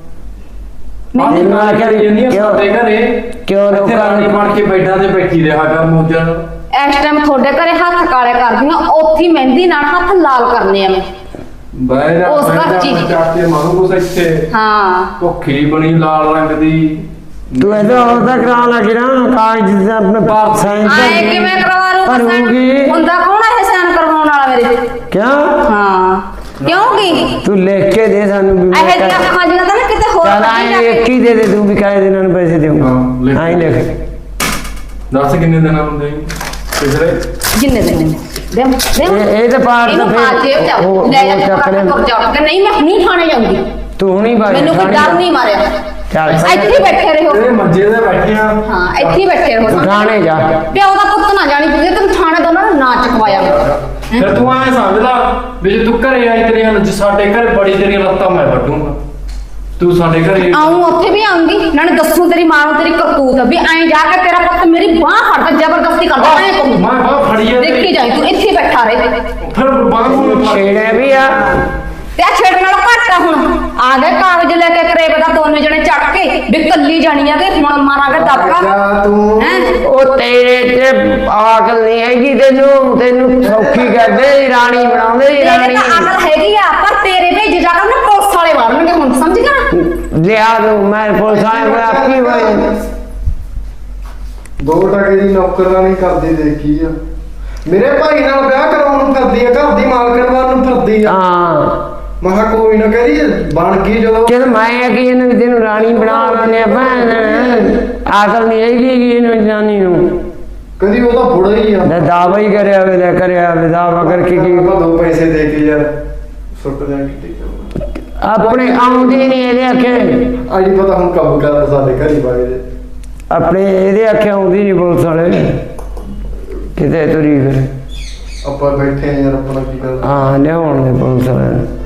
S2: ਮੈਨੂੰ ਆ ਕੇ
S5: ਕਿਉਂ
S2: ਕਿਉਂ
S5: ਸਾਡੇ ਘਰੇ
S2: ਕਿਉਂ
S5: ਇੱਥੇ
S2: ਲੋਕਾਂ
S5: ਰਾਣੀ
S2: ਨੂੰ
S5: ਬਣ ਕੇ ਬੈਠਾ ਤੇ ਬੈਠੀ ਰਿਹਾ ਕਰ ਮੋਜਾਂ ਨਾਲ
S1: ਇਸ ਟਾਈਮ ਤੁਹਾਡੇ ਘਰੇ ਹੱਥ ਕਾਲੇ ਕਰਦੀਆਂ ਉੱਥੇ ਮਹਿੰਦੀ ਨਾਲ ਹੱਥ ਲਾਲ ਕਰਨੇ ਆ ਮੈਂ
S5: ਬਹਿ ਜਾ
S1: ਉਸ
S5: ਬਹਿ
S1: ਘਰ
S5: ਜਾ,
S1: ਚ ਹੀ।
S5: ਮੈਂ ਚੱਕ ਕੇ ਮਾਰੂ ਕੁਛ ਇੱਥੇ
S1: ਹਾਂ
S5: ਭੁੱਖੀ ਬਣੀ ਲਾਲ ਰੰਗ ਦੀ
S2: ਤੂੰ ਇਹਦਾ ਉਹਦਾ ਕਰਾ ਲੱਗ ਨਾ ਕਾਗਜ਼ ਦੇ ਆਪਣੇ ਪਾਸ ਸਾਈਨ
S1: ਆਏ ਕਿਵੇਂ ਕਰਵਾ ਲੂ
S2: ਭਰੂਗੀ।
S1: ਹੁੰਦਾ ਕੌਣ ਹੈ ਇਹ ਸਾਈਨ ਕਰਵਾਉਣ ਵਾਲਾ ਮੇਰੇ ਤੇ
S2: ਕਿਉਂ
S1: ਹਾਂ ਕਿਉਂਕਿ
S2: ਤੂੰ ਲਿਖ ਕੇ ਦੇ ਸਾਨੂੰ ਵੀ
S1: ਇਹ ਜਿਹੀਆਂ ਅੱਖਾਂ ਜਿਹੀਆਂ ਤਾਂ ਨਾ ਕਿਤੇ ਹੋਰ
S2: ਚੱਲ
S1: ਨਹੀਂ ਜਾ
S2: ਆਏ ਇੱਕ
S1: ਕੇ
S2: ਹੀ ਦੇ ਦੇ ਤੂੰ ਵੀ ਕਾਹਦੇ ਦਿਨਾਂ ਨੂੰ ਪੈਸੇ ਦੇਊਂਗਾ
S5: ਹਾਂ, ਲਿਖ।
S2: ਆਈ ਲਿਖ
S5: ਦੱਸ ਕਿੰਨੇ ਦਿਨ ਹੁੰਦੇ ਪਿਛਲੇ
S1: ਜਿੰਨੇ ਦਿਨ ਨੇ ਦੇ ਦੇ
S2: ਇਹ- ਇਹ ਤਾਂ ਪਾਰ
S1: ਇਹਨੂੰ
S2: ਤਾਂ
S1: ਪਾ
S2: ਫਿਰ
S1: ਜੇਬ ਚ
S2: ਉਹ-
S1: ਲੈ ਜਾ
S2: ਉਹ
S1: ਕੇ
S2: ਚੱਕ ਲੈ।
S1: ਕਰ ਜਾ ਕੇ ਨਹੀਂ ਮੈਂ ਨਹੀਂ ਥਾਣੇ ਜਾਊਂਗੀ
S2: ਤੂੰ ਹੁਣੀ ਬਾਈ
S1: ਮੈਨੂੰ ਕੋਈ ਡਰ ਨਹੀਂ ਮਾਰਿਆ
S2: ਚੱਲ
S1: ਇੱਥੇ ਹੀ ਬੈਠੇ ਰਹੋ
S5: ਇਹ ਮੰਜੇ ਤੇ ਬੈਠੇ ਆ
S1: ਹਾਂ ਇੱਥੇ ਹੀ ਬੈਠੇ ਰਹੋ
S2: ਤੂੰ ਥਾਣੇ ਜਾ
S1: ਪਿਓ ਦਾ ਪੁੱਤ ਨਾ ਜਾਣੀ ਤੁਸੀਂ ਤੈਨੂੰ ਥਾਣੇ ਦੋਨਾਂ ਨੂੰ ਨਾ ਚਕਵਾਇਆ
S5: ਫਿਰ ਤੂੰ ਐ ਸਮਝ ਲਾ ਵੀ ਜੇ ਤੂੰ ਘਰੇ ਆਈ ਤੇਰੀਆਂ ਜੇ ਸਾਡੇ ਘਰੇ ਬੜੀ ਤੇਰੀਆਂ ਲੱਤਾਂ ਮੈਂ ਵੱਢੂੰਗਾ ਤੂੰ ਸਾਡੇ ਘਰੇ
S1: ਆਉਂ ਉੱਥੇ ਵੀ ਆਉਂਗੀ ਨਾਲੇ ਦੱਸੂ ਤੇਰੀ ਮਾਂ ਨੂੰ ਤੇਰੀ ਕਰਤੂਤ ਵੀ ਐਂ ਜਾ ਕੇ ਤੇਰਾ ਪੁੱਤ ਮੇਰੀ ਬਾਹ ਫੜਦਾ ਜ਼ਬਰਦਸਤੀ ਕਰਦਾ ਐਂ ਕਹੂੰ
S5: ਮੈਂ ਬਾਹ ਫੜੀ ਆ
S1: ਦੇਖੀ ਜਾਈ ਤੂੰ ਇੱਥੇ ਹੀ ਬੈਠਾ ਰਹੇ
S5: ਫਿਰ ਬਾਹ ਨੂੰ ਫੜ
S2: ਛੇੜੇ ਵੀ ਆ
S1: ਤੇ ਆ ਛੇੜ ਨਾਲ ਘੱਟ ਆ ਹੁਣ ਆ ਗਏ ਕਾਗਜ਼ ਲੈ ਕੇ ਕਰੇਬ ਦਾ ਦੋਨੇ ਜਣੇ ਚੱਕ ਕੇ ਵੀ ਕੱਲੀ ਜਾਣੀ ਆ ਕਿ ਹੁਣ ਮਾਰਾਂਗੇ ਦਬਕਾ
S5: ਜਾ ਤੂੰ
S1: ਹੈ
S2: ਉਹ ਤੇਰੇ ਤੇ ਆਕਲ ਨਹੀਂ ਹੈਗੀ ਤੈਨੂੰ ਤੈਨੂੰ ਸੌਖੀ ਕਰਦੇ ਰਾਣੀ ਬਣਾਉਂਦੇ ਸੀ,
S1: ਤੇਰੇ
S2: ਰਾਣੀ
S1: ਤਾਂ ਅਕਲ ਹੈਗੀ ਆ ਪਰ ਤੇਰੇ ਭੇਜ ਜਾ ਕੇ ਨਾ ਪੁਲਿਸ ਵਾਲੇ ਮਾਰਨਗੇ ਹੁਣ ਸਮਝ ਗਿਆ ਨਾ
S2: ਲਿਆ ਦੂੰ ਮੈਂ ਪੁਲਿਸ ਆਏ ਹੋਏ ਆਪੀ ਹੋਏ
S5: ਦੋ ਟਕੇ ਦੀ ਨੌਕਰਾਨੀ ਕਰਦੀ ਦੇਖੀ ਆ ਮੇਰੇ ਭਾਈ ਨਾਲ ਵਿਆਹ ਕਰਾਉਣ ਨੂੰ ਕਰਦੀ ਆ ਘਰ ਦੀ ਮਾਲਕਣ ਵਾਲ ਨੂੰ ਫਿਰਦੀ ਆ
S2: ਹਾਂ
S5: ਮਹਾ ਕੋਈ ਨਾ ਕਹਦੀ ਬਣ ਗਈ ਜਦੋਂ
S2: ਜਦ ਮੈਂ ਕਿ ਇਹਨੂੰ ਤੈਨੂੰ ਰਾਣੀ ਬਣਾ ਲੈਣੇ ਭੈਣ ਆਕਲ ਨਹੀਂ ਹੈਗੀ ਕਿ ਇਹਨੂੰ ਜਾਨੀ ਨੂੰ
S5: ਕਦੀ ਉਹਦਾ ਬੁੜਾ ਹੀ ਆ
S2: ਦਾ ਦਾਵਾ ਹੀ ਕਰਿਆ ਵੇ ਲੈ ਕਰਿਆ ਵੇ ਦਾਵਾ ਕਰਕੇ ਕੀ
S5: ਆਪਾਂ ਦੋ ਪੈਸੇ ਦੇ ਕੇ ਯਾਰ ਸੁੱਟ ਜਾਣਗੇ ਠੀਕ
S2: ਆਪਣੇ ਆਉਂਦੀ ਨਹੀਂ ਇਹਦੇ ਆਖੇ
S5: ਆ ਅੱਜ ਪਤਾ ਹੁਣ ਕੰਮ ਕਰਦਾ ਸਾਡੇ ਘਰੀ ਬਾਗੇ ਦੇ
S2: ਆਪਣੇ ਇਹਦੇ ਆਖੇ ਆਉਂਦੀ ਨਹੀਂ ਪੁਲਿਸ ਵਾਲੇ ਕਿਤੇ ਤੁਰੀ ਫਿਰ
S5: ਆਪਾਂ ਬੈਠੇ ਆ ਯਾਰ ਆਪਣਾ ਕੀ ਕਰਦਾ
S2: ਹਾਂ ਲਿਆਉਣ ਦੇ ਪੁਲਿਸ ਵਾਲੇ ਨੂੰ।